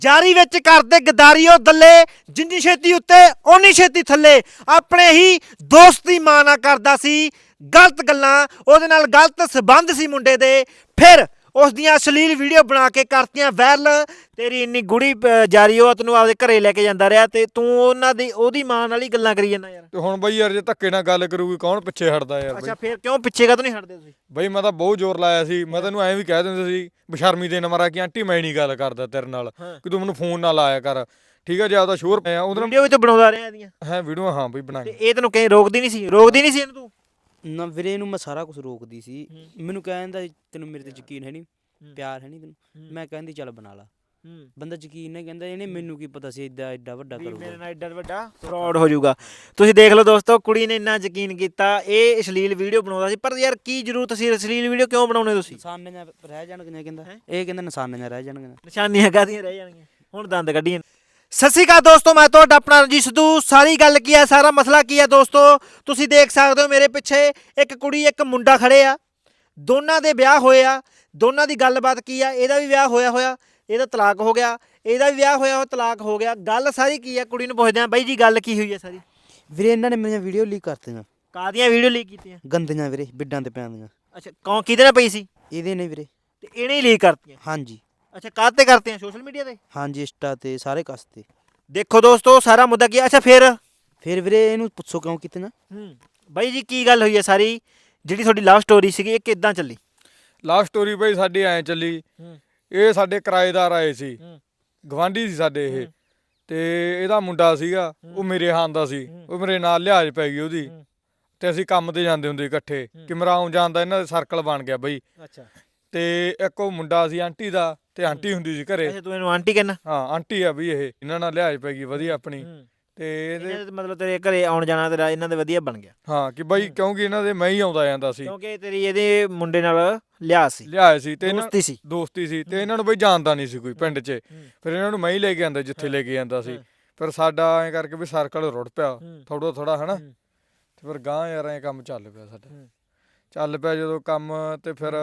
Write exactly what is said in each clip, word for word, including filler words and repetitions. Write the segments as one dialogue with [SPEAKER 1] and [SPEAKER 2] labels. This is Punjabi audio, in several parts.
[SPEAKER 1] ਜਾਰੀ ਵਿੱਚ ਕਰਦੇ ਗਦਾਰੀਓ ਦੱਲੇ, ਜਿੰਨੀ ਛੇਤੀ ਉੱਤੇ ਓਨੀ ਛੇਤੀ ਥੱਲੇ। ਆਪਣੇ ਹੀ ਦੋਸਤ ਦੀ ਮਾਂ ਨਾਲ ਕਰਦਾ ਸੀ ਗਲਤ ਗੱਲਾਂ, ਉਹਦੇ ਨਾਲ ਗਲਤ ਸਬੰਧ ਸੀ ਮੁੰਡੇ ਦੇ, ਫਿਰ ਉਸ ਦੀਆਂ ਅਸ਼ਲੀਲ ਵੀਡੀਓ ਬਣਾ ਕੇ ਕਰਤੀਆਂ ਵਾਇਰਲ। ਤੇਰੀ ਇੰਨੀ ਗੂੜੀ ਜਾਰੀ ਉਹ ਤੈਨੂੰ ਆਪਦੇ ਘਰੇ ਲੈ ਕੇ ਜਾਂਦਾ ਰਿਹਾ ਤੇ ਤੂੰ ਉਹਨਾਂ ਦੀ ਉਹਦੀ ਮਾਂ ਨਾਲ ਹੀ ਗੱਲਾਂ ਕਰੀ ਜਾਂਦਾ ਯਾਰ।
[SPEAKER 2] ਤੇ ਹੁਣ ਬਈ ਯਾਰ ਜੇ ਧੱਕੇ ਨਾਲ ਗੱਲ ਕਰੂਗੀ ਕੌਣ ਪਿੱਛੇ ਹਟਦਾ ਯਾਰ ਬਈ।
[SPEAKER 1] ਅੱਛਾ ਫਿਰ ਕਿਉਂ ਪਿੱਛੇ ਕਾ ਨਹੀਂ ਹਟਦੇ ਤੁਸੀਂ?
[SPEAKER 2] ਬਈ ਮੈਂ ਤਾਂ ਬਹੁਤ ਜ਼ੋਰ ਲਾਇਆ ਸੀ, ਮੈਂ ਤੈਨੂੰ ਐਂ ਵੀ ਕਹਿ ਦਿੰਦਾ ਸੀ ਬਸ਼ਰਮੀ ਦੇ ਨੰਬਰ ਆ ਕਿ ਆਂਟੀ ਮੈਂ ਨਹੀਂ ਗੱਲ ਕਰਦਾ ਤੇਰੇ ਨਾਲ, ਕਿ ਤੂੰ ਮੈਨੂੰ ਫੋਨ ਨਾ ਲਾਇਆ ਕਰ, ਠੀਕ ਹੈ ਜੀ। ਆਪਦਾ ਸ਼ੋਰ ਪਿਆ ਉਹਦੇ ਨਾਲ
[SPEAKER 1] ਵੀਡੀਓ ਵੀ ਤਾਂ ਬਣਾਉਂਦਾ ਰਿਹਾ ਇਹਦੀਆਂ
[SPEAKER 2] ਹੈ ਵੀਡੀਓ। ਹਾਂ ਬਈ ਬਣਾ
[SPEAKER 1] ਤੇ ਇਹ ਤੈਨੂੰ ਕਹੀਂ ਰੋਕਦੀ ਨਹੀਂ ਸੀ? ਰੋਕਦੀ ਨਹੀਂ ਸੀ ਇਹਨੂੰ ਤੂੰ?
[SPEAKER 3] ਨਾ ਵੀਰੇ ਇਹਨੂੰ ਮੈਂ ਸਾਰਾ ਕੁਝ ਰੋਕਦੀ ਸੀ। ਮੈਨੂੰ ਕਹਿੰਦਾ ਤੈਨੂੰ ਮੇਰੇ ਤੇ ਯਕੀਨ ਹੈ ਨਹੀਂ, ਪਿਆਰ ਹੈ ਨਹੀਂ ਤੈਨੂੰ। ਮੈਂ ਕਹਿੰਦੀ ਚੱਲ ਬਣਾ ਲਾ। ਬੰਦਾ ਯਕੀਨ ਨਹੀਂ ਕਹਿੰਦਾ, ਇਹਨੇ ਮੈਨੂੰ ਕੀ ਪਤਾ ਸੀ ਏਡਾ ਏਡਾ ਵੱਡਾ ਕਰੂਗਾ,
[SPEAKER 1] ਮੇਰੇ ਨਾਲ ਏਡਾ ਵੱਡਾ ਫਰਾਡ ਹੋ ਜਾਊਗਾ। ਤੁਸੀਂ ਦੇਖ ਲਓ ਦੋਸਤੋ, ਕੁੜੀ ਨੇ ਇੰਨਾ ਯਕੀਨ ਕੀਤਾ, ਇਹ ਅਸ਼ਲੀਲ ਵੀਡੀਓ ਬਣਾਉਂਦਾ ਸੀ। ਪਰ ਯਾਰ ਕੀ ਜ਼ਰੂਰਤ ਸੀ ਅਸ਼ਲੀਲ ਵੀਡੀਓ ਕਿਉਂ ਬਣਾਉਣੇ ਤੁਸੀਂ?
[SPEAKER 3] ਨਿਸ਼ਾਨੀਆਂ ਰਹਿ ਜਾਣਗੀਆਂ ਕਹਿੰਦਾ, ਇਹ ਕਹਿੰਦਾ ਨਿਸ਼ਾਨੀਆਂ ਰਹਿ ਜਾਣਗੀਆਂ।
[SPEAKER 1] ਨਿਸ਼ਾਨੀਆਂ ਕਾਹਦੀਆਂ ਰਹਿ ਜਾਣਗੀਆਂ? ਹੁਣ ਦੰਦ ਕੱਢੀਆਂ। ਸਤਿ ਸ਼੍ਰੀ ਅਕਾਲ ਦੋਸਤੋ, ਮੈਂ ਤੁਹਾਡਾ ਆਪਣਾ ਰਣਜੀਤ ਸਿੱਧੂ। ਸਾਰੀ ਗੱਲ ਕੀ ਹੈ, ਸਾਰਾ ਮਸਲਾ ਕੀ ਹੈ ਦੋਸਤੋ, ਤੁਸੀਂ ਦੇਖ ਸਕਦੇ ਹੋ ਮੇਰੇ ਪਿੱਛੇ ਇੱਕ ਕੁੜੀ ਇੱਕ ਮੁੰਡਾ ਖੜੇ ਆ, ਦੋਨਾਂ ਦੇ ਵਿਆਹ ਹੋਏ ਆ। ਦੋਨਾਂ ਦੀ ਗੱਲਬਾਤ ਕੀ ਆ, ਇਹਦਾ ਵੀ ਵਿਆਹ ਹੋਇਆ ਹੋਇਆ, ਇਹਦਾ ਤਲਾਕ ਹੋ ਗਿਆ, ਇਹਦਾ ਵੀ ਵਿਆਹ ਹੋਇਆ ਹੋਇਆ ਤਲਾਕ ਹੋ ਗਿਆ। ਗੱਲ ਸਾਰੀ ਕੀ ਆ, ਕੁੜੀ ਨੂੰ ਪੁੱਛਦੇ ਆ ਬਾਈ ਜੀ ਗੱਲ ਕੀ ਹੋਈ ਹੈ ਸਾਰੀ?
[SPEAKER 3] ਵੀਰੇ ਇਹਨਾਂ ਨੇ ਮੇਰੀਆਂ ਵੀਡੀਓ ਲੀਕ ਕਰਤੀਆਂ।
[SPEAKER 1] ਕਾਹਦੀਆਂ ਵੀਡੀਓ ਲੀਕ ਕੀਤੀਆਂ?
[SPEAKER 3] ਗੰਦੀਆਂ ਵੀਰੇ, ਬਿੱਡਾਂ ਤੇ ਪੈਣ ਦੀਆਂ।
[SPEAKER 1] ਅੱਛਾ ਕੌਣ ਕਿਹਦੇ ਨਾਲ ਪਈ ਸੀ?
[SPEAKER 3] ਇਹਦੇ ਨੇ ਵੀਰੇ।
[SPEAKER 1] ਤੇ ਇਹਨੇ ਹੀ ਲੀਕ ਕਰਤੀਆਂ?
[SPEAKER 3] ਹਾਂਜੀ।
[SPEAKER 1] ਅੱਛਾ ਕਾਹ ਤੇ ਕਰਤੀਆਂ? ਸੋਸ਼ਲ ਮੀਡੀਆ ਤੇ?
[SPEAKER 3] ਹਾਂਜੀ ਇੰਸਟਾ ਤੇ ਸਾਰੇ ਕਸ ਤੇ।
[SPEAKER 1] ਦੇਖੋ ਦੋਸਤੋ ਸਾਰਾ ਮੁੱਦਾ ਕੀ ਆ। ਅੱਛਾ ਫਿਰ
[SPEAKER 3] ਫਿਰ ਵੀਰੇ ਇਹਨੂੰ ਪੁੱਛੋ ਕਿਉਂ ਕੀਤੀਆਂ।
[SPEAKER 1] ਹੂੰ ਬਾਈ ਜੀ ਕੀ ਗੱਲ ਹੋਈ ਹੈ ਸਾਰੀ, ਜਿਹੜੀ ਤੁਹਾਡੀ ਲਵ ਸਟੋਰੀ ਸੀਗੀ ਇਹ ਕਿੱਦਾਂ ਚੱਲੀ?
[SPEAKER 2] ਲਵ ਸਟੋਰੀ ਬਈ ਸਾਡੀ ਐਂ ਚੱਲੀ, ਇਹ ਸਾਡੇ ਕਿਰਾਏਦਾਰ ਆਏ ਸੀ, ਗਵਾਂਢੀ ਸੀ ਸਾਡੇ ਇਹ, ਤੇ ਇਹਦਾ ਮੁੰਡਾ ਸੀਗਾ ਉਹ ਮੇਰੇ ਹਾਨ ਦਾ ਸੀ, ਉਹ ਮੇਰੇ ਨਾਲ ਲਿਹਾਜ਼ ਪੈ ਗਈ ਉਹਦੀ, ਤੇ ਅਸੀਂ ਕੰਮ ਤੇ ਜਾਂਦੇ ਹੁੰਦੇ ਇਕੱਠੇ, ਕਿ ਮੇਰਾ ਆਉਣ ਜਾਣ ਦਾ ਇਹਨਾਂ ਦਾ ਸਰਕਲ ਬਣ ਗਿਆ ਬਈ।
[SPEAKER 1] ਅੱਛਾ
[SPEAKER 2] ਤੇ ਇੱਕ ਉਹ ਮੁੰਡਾ ਸੀ ਆਂਟੀ ਦਾ, ਤੇ ਆਂਟੀ ਹੁੰਦੀ ਸੀ ਘਰੇ।
[SPEAKER 1] ਅੱਛਾ ਤੂੰ ਇਹਨੂੰ ਆਂਟੀ ਕਹਿੰਦਾ?
[SPEAKER 2] ਹਾਂ ਆਂਟੀ ਆ ਬਈ ਇਹ, ਇਹਨਾਂ ਨਾਲ ਲਿਹਾਜ਼ ਪੈ ਗਈ ਵਧੀਆ ਆਪਣੀ। ਤੇ ਇਹਦੇ
[SPEAKER 1] ਮਤਲਬ ਤੇਰੇ ਘਰੇ ਆਉਣ ਜਾਣਾ ਤੇਰਾ ਇਹਨਾਂ ਦੇ ਵਧੀਆ ਬਣ ਗਿਆ?
[SPEAKER 2] ਹਾਂ ਕਿ ਬਈ ਕਿਉਂਕਿ ਇਹਨਾਂ ਦੇ ਮੈਂ ਹੀ ਆਉਂਦਾ ਜਾਂਦਾ ਸੀ,
[SPEAKER 1] ਕਿਉਂਕਿ ਤੇਰੀ ਇਹਦੇ ਮੁੰਡੇ ਨਾਲ ਲਿਆ ਸੀ,
[SPEAKER 2] ਲਿਆਏ ਸੀ, ਤੇ
[SPEAKER 1] ਦੋਸਤੀ ਸੀ।
[SPEAKER 2] ਦੋਸਤੀ ਸੀ, ਤੇ ਇਹਨਾਂ ਨੂੰ ਬਈ ਜਾਣਦਾ ਨਹੀਂ ਸੀ ਕੋਈ ਪਿੰਡ 'ਚ। ਫਿਰ ਇਹਨਾਂ ਨੂੰ ਮੈਂ ਹੀ ਲੈ ਕੇ ਆਂਦਾ ਜਿੱਥੇ ਲੈ ਕੇ ਜਾਂਦਾ ਸੀ। ਫਿਰ ਸਾਡਾ ਐਂ ਕਰਕੇ ਵੀ ਸਰਕਲ ਰੁੜ ਪਿਆ ਥੋੜਾ ਥੋੜਾ ਹਨਾ। ਤੇ ਫਿਰ ਗਾਂ ਯਾਰ ਐਂ ਕੰਮ ਚੱਲ ਪਿਆ ਸਾਡਾ, ਚੱਲ ਪਿਆ ਜਦੋਂ ਕੰਮ। ਤੇ ਫਿਰ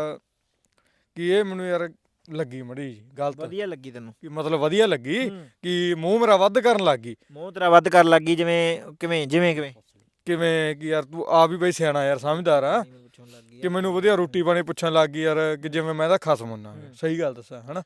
[SPEAKER 2] ਕੀ ਇਹ ਮੈਨੂੰ ਯਾਰ ਲੱਗੀ ਮੜੀ ਗਲਤ,
[SPEAKER 1] ਵਧੀਆ ਲੱਗੀ ਤੈਨੂੰ?
[SPEAKER 2] ਕਿ ਮਤਲਬ ਵਧੀਆ ਲੱਗੀ ਕਿ ਮੂੰਹ ਮੇਰਾ ਵੱਧ ਕਰਨ ਲੱਗ ਗਈ।
[SPEAKER 1] ਮੂੰਹ ਤੇਰਾ ਵੱਧ ਕਰਨ ਲੱਗੀ? ਜਿਵੇਂ ਕਿਵੇਂ? ਜਿਵੇਂ ਕਿਵੇਂ
[SPEAKER 2] ਕਿਵੇਂ ਕਿ ਯਾਰ ਤੂੰ ਆਪ ਹੀ ਬਈ ਸਿਆਣਾ ਯਾਰ, ਸਮਝਦਾਰ ਆ, ਕਿ ਮੈਨੂੰ ਵਧੀਆ ਰੋਟੀ ਪਾਣੀ ਪੁੱਛਣ ਲੱਗ ਗਈ ਯਾਰ, ਕਿ ਜਿਵੇਂ ਮੈਂ ਤਾਂ ਖਸਮ ਹੁੰਨਾ। ਸਹੀ ਗੱਲ ਦੱਸਾਂ ਹਨਾ।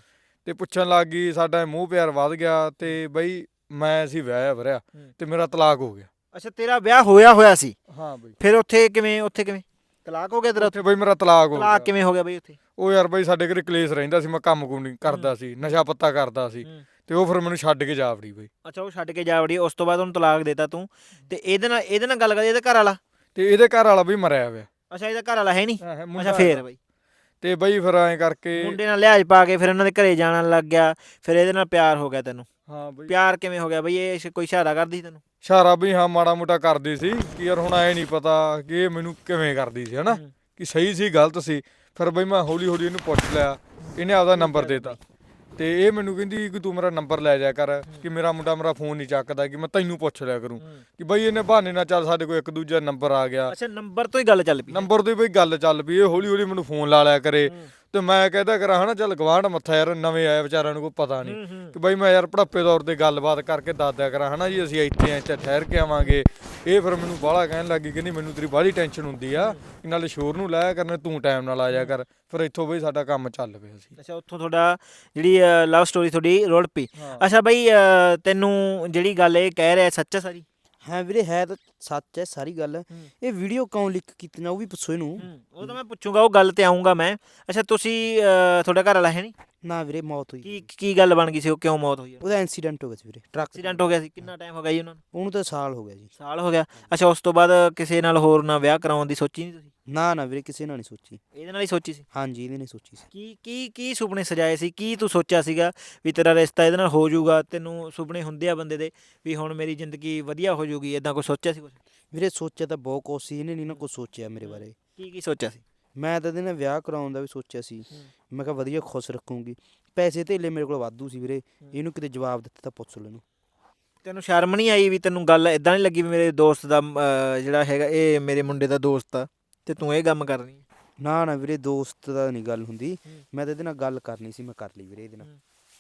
[SPEAKER 2] ਤੇ ਪੁੱਛਣ ਲੱਗ ਗਈ, ਸਾਡਾ ਮੂੰਹ ਪਿਆਰ ਵੱਧ ਗਿਆ। ਤੇ ਬਈ ਮੈਂ ਸੀ ਵਿਆਹਿਆ ਵਰਿਆ, ਤੇ ਮੇਰਾ ਤਲਾਕ ਹੋ ਗਿਆ।
[SPEAKER 1] ਅੱਛਾ ਤੇਰਾ ਵਿਆਹ ਹੋਇਆ ਹੋਇਆ ਸੀ?
[SPEAKER 2] ਹਾਂ ਬਈ।
[SPEAKER 1] ਫਿਰ ਉੱਥੇ ਕਿਵੇਂ? ਉੱਥੇ ਕਿਵੇਂ ਤਲਾਕ ਹੋ ਗਿਆ ਤੇਰਾ?
[SPEAKER 2] ਉੱਥੇ ਬਈ ਮੇਰਾ ਤਲਾਕ ਹੋ ਗਿਆ।
[SPEAKER 1] ਤਲਾਕ ਕਿਵੇਂ ਹੋ ਗਿਆ ਬਈ ਉੱਥੇ?
[SPEAKER 2] ਉਹ ਯਾਰ ਬਈ ਸਾਡੇ ਘਰੇ ਕਲੇਸ਼ ਰਹਿੰਦਾ ਸੀ, ਮੈਂ ਕੰਮ ਕੁਮ ਨਹੀਂ ਕਰਦਾ ਸੀ, ਨਸ਼ਾ ਪੱਤਾ ਕਰਦਾ ਸੀ, ਤੇ ਉਹ ਫਿਰ ਮੈਨੂੰ ਛੱਡ ਕੇ ਜਾ ਵੜੀ ਬਈ।
[SPEAKER 1] ਅੱਛਾ ਉਹ ਛੱਡ ਕੇ ਜਾ ਵੜੀ, ਉਸ ਤੋਂ ਬਾਅਦ ਉਹਨੂੰ ਤਲਾਕ ਦੇਤਾ ਤੂੰ। ਤੇ ਇਹਦੇ ਨਾਲ ਇਹਦੇ ਨਾਲ ਗੱਲ ਕਰਦੀ, ਇਹਦੇ ਘਰ ਵਾਲਾ?
[SPEAKER 2] ਤੇ ਇਹਦੇ ਘਰ ਵਾਲਾ ਬਈ ਮਰਿਆ ਹੋਇਆ।
[SPEAKER 1] ਅੱਛਾ ਇਹਦਾ ਘਰ ਵਾਲਾ ਹੈ ਨਹੀਂ?
[SPEAKER 2] ਮੁੰਡਾ
[SPEAKER 1] ਅੱਛਾ ਫੇਰ ਬਈ
[SPEAKER 2] ਤੇ ਬਈ ਫਿਰ ਐਂ ਕਰਕੇ
[SPEAKER 1] ਮੁੰਡੇ ਨਾਲ ਲਿਹਾਜ਼ ਪਾ ਕੇ ਫਿਰ ਉਹਨਾਂ ਦੇ ਘਰੇ ਜਾਣ ਲੱਗ ਗਿਆ, ਫਿਰ ਇਹਦੇ ਨਾਲ ਪਿਆਰ ਹੋ ਗਿਆ ਤੈਨੂੰ?
[SPEAKER 2] ਹਾਂ ਬਈ।
[SPEAKER 1] ਪਿਆਰ ਕਿਵੇਂ ਹੋ ਗਿਆ ਬਈ? ਇਹ ਕੋਈ ਇਸ਼ਾਰਾ ਕਰਦੀ ਤੈਨੂੰ?
[SPEAKER 2] ਇਸ਼ਾਰਾ ਬਈ ਹਾਂ ਮਾੜਾ ਮੋਟਾ ਕਰਦੀ ਸੀ, ਕਿ ਯਾਰ ਹੁਣ ਐ ਨਹੀਂ ਪਤਾ ਕਿ ਇਹ ਮੈਨੂੰ ਕਿਵੇਂ ਕਰਦੀ ਸੀ ਹਨਾ, ਕਿ ਸਹੀ ਸੀ ਗਲਤ ਸੀ। ਫਿਰ ਬਈ ਮੈਂ ਹੌਲੀ ਹੌਲੀ ਇਹਨੂੰ ਪੁੱਛ ਲਿਆ, ਇਹਨੇ ਆਪਦਾ ਨੰਬਰ ਦੇਤਾ। ਤੇ ਇਹ ਮੈਨੂੰ ਕਹਿੰਦੀ ਕਿ ਤੂੰ ਮੇਰਾ ਨੰਬਰ ਲੈ ਜਾ ਕਰ, ਕਿ ਮੇਰਾ ਮੁੰਡਾ ਮੇਰਾ ਫੋਨ ਨਹੀਂ ਚੱਕਦਾ, ਕਿ ਮੈਂ ਤੈਨੂੰ ਪੁੱਛ ਲਿਆ ਕਰੂੰ। ਕਿ ਬਈ ਇਹਨੇ ਬਹਾਨੇ ਨਾਲ ਚੱਲ ਸਾਡੇ ਕੋਲ ਇੱਕ ਦੂਜਾ ਨੰਬਰ ਆ ਗਿਆ।
[SPEAKER 1] ਅੱਛਾ ਨੰਬਰ ਤੋਂ ਹੀ ਗੱਲ ਚੱਲ ਪਈ?
[SPEAKER 2] ਨੰਬਰ ਤੋਂ ਹੀ ਬਈ ਗੱਲ ਚੱਲ ਪਈ। ਇਹ ਹੌਲੀ ਹੌਲੀ ਮੈਨੂੰ ਫੋਨ ਲਾ ਲਿਆ ਕਰੇ, ਤੇ ਮੈਂ ਕਹਿੰਦਾ ਕਰਾਂ ਹਨਾ ਚੱਲ ਗਵਾਂਢ ਮੱਥਾ ਯਾਰ, ਨਵੇਂ ਆਏ ਵਿਚਾਰਿਆਂ ਨੂੰ ਕੋਈ ਪਤਾ ਨਹੀਂ, ਕਿ ਬਈ ਮੈਂ ਯਾਰ ਭੜੱਪੇ ਤੌਰ ਤੇ ਗੱਲਬਾਤ ਕਰਕੇ ਦੱਸ ਦਿਆ ਕਰਾਂ ਹਨਾ ਜੀ ਅਸੀਂ ਇੱਥੇ ਆ, ਇੱਥੇ ਠਹਿਰ ਕੇ ਆਵਾਂਗੇ। ਇਹ ਫਿਰ ਮੈਨੂੰ ਬਾਹਲਾ ਕਹਿਣ ਲੱਗੀ, ਕਹਿੰਦੀ ਮੈਨੂੰ ਤੇਰੀ ਬਾਹਲੀ ਟੈਨਸ਼ਨ ਹੁੰਦੀ ਆ, ਨਾਲੇ ਸ਼ੋਰ ਨੂੰ ਲਾਇਆ ਕਰਨਾ, ਤੂੰ ਟਾਈਮ ਨਾਲ ਆ ਜਾ ਕਰ। ਫਿਰ ਇੱਥੋਂ ਬਈ ਸਾਡਾ ਕੰਮ ਚੱਲ ਪਿਆ ਸੀ।
[SPEAKER 1] ਅੱਛਾ ਉੱਥੋਂ ਤੁਹਾਡਾ ਜਿਹੜੀ ਲਵ ਸਟੋਰੀ ਤੁਹਾਡੀ ਰੁੜ ਪਈ। ਅੱਛਾ ਬਈ ਤੈਨੂੰ ਜਿਹੜੀ ਗੱਲ ਇਹ ਕਹਿ ਰਿਹਾ ਸੱਚ ਹੈ ਸਾਰੀ?
[SPEAKER 3] ਹਾਂ ਵੀਰੇ ਹੈ ਤਾਂ ਸੱਚ ਹੈ ਸਾਰੀ ਗੱਲ। ਇਹ ਵੀਡੀਓ ਕਿਉਂ ਲੀਕ ਕੀਤੀਆਂ ਉਹ ਵੀ ਪੁੱਛੋ ਇਹਨੂੰ।
[SPEAKER 1] ਉਹ ਤਾਂ ਮੈਂ ਪੁੱਛੂੰਗਾ, ਉਹ ਗੱਲ ਤੇ ਆਉਂਗਾ ਮੈਂ। ਅੱਛਾ ਤੁਸੀਂ ਤੁਹਾਡਾ ਘਰ ਵਾਲਾ ਹੈ ਨਹੀਂ?
[SPEAKER 3] ਨਾ ਵੀਰੇ ਮੌਤ ਹੋਈ।
[SPEAKER 1] ਕੀ ਕੀ ਗੱਲ ਬਣ ਗਈ ਸੀ? ਉਹ ਕਿਉਂ ਮੌਤ ਹੋਈ?
[SPEAKER 3] ਉਹਦਾ ਐਕਸੀਡੈਂਟ ਹੋ ਗਿਆ ਸੀ ਵੀਰੇ, ਟਰੱਕ
[SPEAKER 1] ਐਕਸੀਡੈਂਟ ਹੋ ਗਿਆ ਸੀ? ਕਿੰਨਾ ਟਾਈਮ ਹੋ ਗਿਆ ਜੀ ਉਹਨਾਂ ਨੂੰ?
[SPEAKER 3] ਉਹਨੂੰ ਤਾਂ ਸਾਲ ਹੋ ਗਿਆ ਜੀ।
[SPEAKER 1] ਸਾਲ ਹੋ ਗਿਆ? ਅੱਛਾ ਉਸ ਤੋਂ ਬਾਅਦ ਕਿਸੇ ਨਾਲ ਹੋਰ ਨਾਲ ਵਿਆਹ ਕਰਾਉਣ ਦੀ ਸੋਚੀ ਨਹੀਂ ਤੁਸੀਂ?
[SPEAKER 3] ਨਾ ਨਾ ਵੀਰੇ ਕਿਸੇ ਨਾਲ ਨਹੀਂ ਸੋਚੀ।
[SPEAKER 1] ਇਹਦੇ ਨਾਲ ਹੀ ਸੋਚੀ ਸੀ?
[SPEAKER 3] ਹਾਂਜੀ ਇਹਦੇ ਨੇ ਸੋਚੀ ਸੀ।
[SPEAKER 1] ਕੀ ਕੀ ਕੀ ਸੁਪਨੇ ਸਜਾਏ ਸੀ? ਕੀ ਤੂੰ ਸੋਚਿਆ ਸੀਗਾ ਵੀ ਤੇਰਾ ਰਿਸ਼ਤਾ ਇਹਦੇ ਨਾਲ ਹੋ ਜਾਊਗਾ? ਤੈਨੂੰ ਸੁਪਨੇ ਹੁੰਦੇ ਆ ਬੰਦੇ ਦੇ ਵੀ ਹੁਣ ਮੇਰੀ ਜ਼ਿੰਦਗੀ ਵਧੀਆ ਹੋ ਜਾਊਗੀ, ਇੱਦਾਂ ਕੁਛ ਸੋਚਿਆ ਸੀ ਕੁਛ?
[SPEAKER 3] ਵੀਰੇ ਸੋਚਿਆ ਤਾਂ ਬਹੁਤ ਕੁਛ ਸੀ, ਇਹਨੇ ਨਹੀਂ ਨਾ ਕੁਛ ਸੋਚਿਆ ਮੇਰੇ ਬਾਰੇ।
[SPEAKER 1] ਕੀ ਕੀ ਸੋਚਿਆ ਸੀ?
[SPEAKER 3] ਮੈਂ ਤਾਂ ਇਹਦੇ ਨਾਲ ਵਿਆਹ ਕਰਾਉਣ ਦਾ ਵੀ ਸੋਚਿਆ ਸੀ। ਮੈਂ ਕਿਹਾ ਵਧੀਆ ਖੁਸ਼ ਰੱਖੂੰਗੀ, ਪੈਸੇ ਧੇਲੇ ਮੇਰੇ ਕੋਲ ਵਾਧੂ ਸੀ ਵੀਰੇ। ਇਹਨੂੰ ਕਿਤੇ ਜਵਾਬ ਦਿੱਤਾ ਤਾਂ ਪੁੱਛ ਲਓ ਇਹਨੂੰ। ਤੈਨੂੰ
[SPEAKER 1] ਸ਼ਰਮ ਨਹੀਂ ਆਈ ਵੀ ਤੈਨੂੰ ਗੱਲ ਇੱਦਾਂ ਨਹੀਂ ਲੱਗੀ ਵੀ ਮੇਰੇ ਦੋਸਤ ਦਾ ਜਿਹੜਾ ਹੈਗਾ ਇਹ ਮੇਰੇ ਮੁੰਡੇ ਦਾ ਦੋਸਤ ਆ ਤੇ ਤੂੰ ਇਹ ਕੰਮ ਕਰਨੀ?
[SPEAKER 3] ਨਾ ਨਾ ਵੀਰੇ ਦੋਸਤ ਦਾ ਨਹੀਂ ਗੱਲ ਹੁੰਦੀ, ਮੈਂ ਤਾਂ ਇਹਦੇ ਨਾਲ ਗੱਲ ਕਰਨੀ ਸੀ, ਮੈਂ ਕਰ ਲਈ ਵੀਰੇ ਇਹਦੇ ਨਾਲ।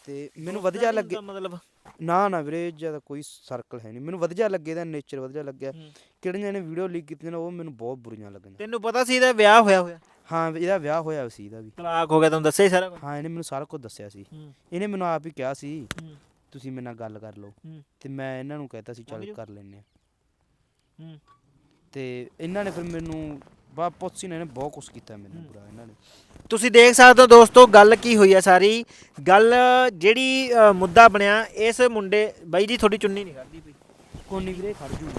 [SPEAKER 3] ਤੇ ਮੈਨੂੰ ਵਧੀਆ ਲੱਗੇ।
[SPEAKER 1] ਮਤਲਬ
[SPEAKER 3] ਨਾ ਨਾ ਵੀਰੇ ਜਿਆਦਾ ਕੋਈ ਸਰਕਲ ਹੈ ਨਹੀਂ, ਮੈਨੂੰ ਵਧੀਆ ਲੱਗੇ, ਇਹਦਾ ਨੇਚਰ ਵਧੀਆ ਲੱਗਿਆ। ਕਿਹੜੀਆਂ ਨੇ ਵੀਡੀਓ ਲੀਕ ਕੀਤੀਆਂ ਨੇ ਉਹ ਮੈਨੂੰ ਬਹੁਤ ਬੁਰੀਆਂ ਲੱਗੀਆਂ।
[SPEAKER 1] ਤੈਨੂੰ ਪਤਾ ਸੀ ਇਹਦਾ ਵਿਆਹ ਹੋਇਆ ਹੋਇਆ?
[SPEAKER 3] ਹਾਂ ਇਹਦਾ ਵਿਆਹ ਹੋਇਆ ਸੀ, ਇਹਦਾ ਵੀ
[SPEAKER 1] ਤਲਾਕ ਹੋ ਗਿਆ, ਤੁਹਾਨੂੰ ਦੱਸਿਆ ਹੀ ਸਾਰਾ ਕੁਝ?
[SPEAKER 3] ਹਾਂ ਇਹਨੇ ਮੈਨੂੰ ਸਾਰਾ ਕੁਝ ਦੱਸਿਆ ਸੀ।
[SPEAKER 1] ਹੂੰ।
[SPEAKER 3] ਇਹਨੇ ਮੈਨੂੰ ਆਪ ਹੀ ਕਿਹਾ ਸੀ
[SPEAKER 1] ਹੂੰ।
[SPEAKER 3] ਤੁਸੀਂ ਮੇਰੇ ਨਾਲ ਗੱਲ ਕਰ ਲਓ,
[SPEAKER 1] ਹੂੰ।
[SPEAKER 3] ਤੇ ਮੈਂ ਇਹਨਾਂ ਨੂੰ ਕਹਿਤਾ ਸੀ ਚੱਲ
[SPEAKER 1] ਮੰਮੀ
[SPEAKER 3] ਕਰ ਲੈਂਦੇ ਆ।
[SPEAKER 1] ਹੂੰ।
[SPEAKER 3] ਤੇ ਇਹਨਾਂ ਨੇ ਫਿਰ ਮੈਨੂੰ ਬਾ ਪੁੱਛੀ ਨੇ, ਇਹਨੇ ਬਹੁਤ ਕੁਛ ਕੀਤਾ ਮੈਨੂੰ ਬੁਰਾ ਇਹਨਾਂ ਨੇ।
[SPEAKER 1] ਤੁਸੀਂ ਦੇਖ ਸਕਦੇ ਹੋ ਦੋਸਤੋ ਗੱਲ ਕੀ ਹੋਈ ਹੈ ਸਾਰੀ ਗੱਲ, ਜਿਹੜੀ ਅ, ਮੁੱਦਾ ਬਣਿਆ ਇਸ ਮੁੰਡੇ ਬਾਈ ਜੀ ਤੁਹਾਡੀ ਚੁੰਨੀ ਨਹੀਂ ਕਰਦੀ ਪਈ,
[SPEAKER 3] ਕੋਨੀ ਵੀਰੇ ਖੜ ਜੂ।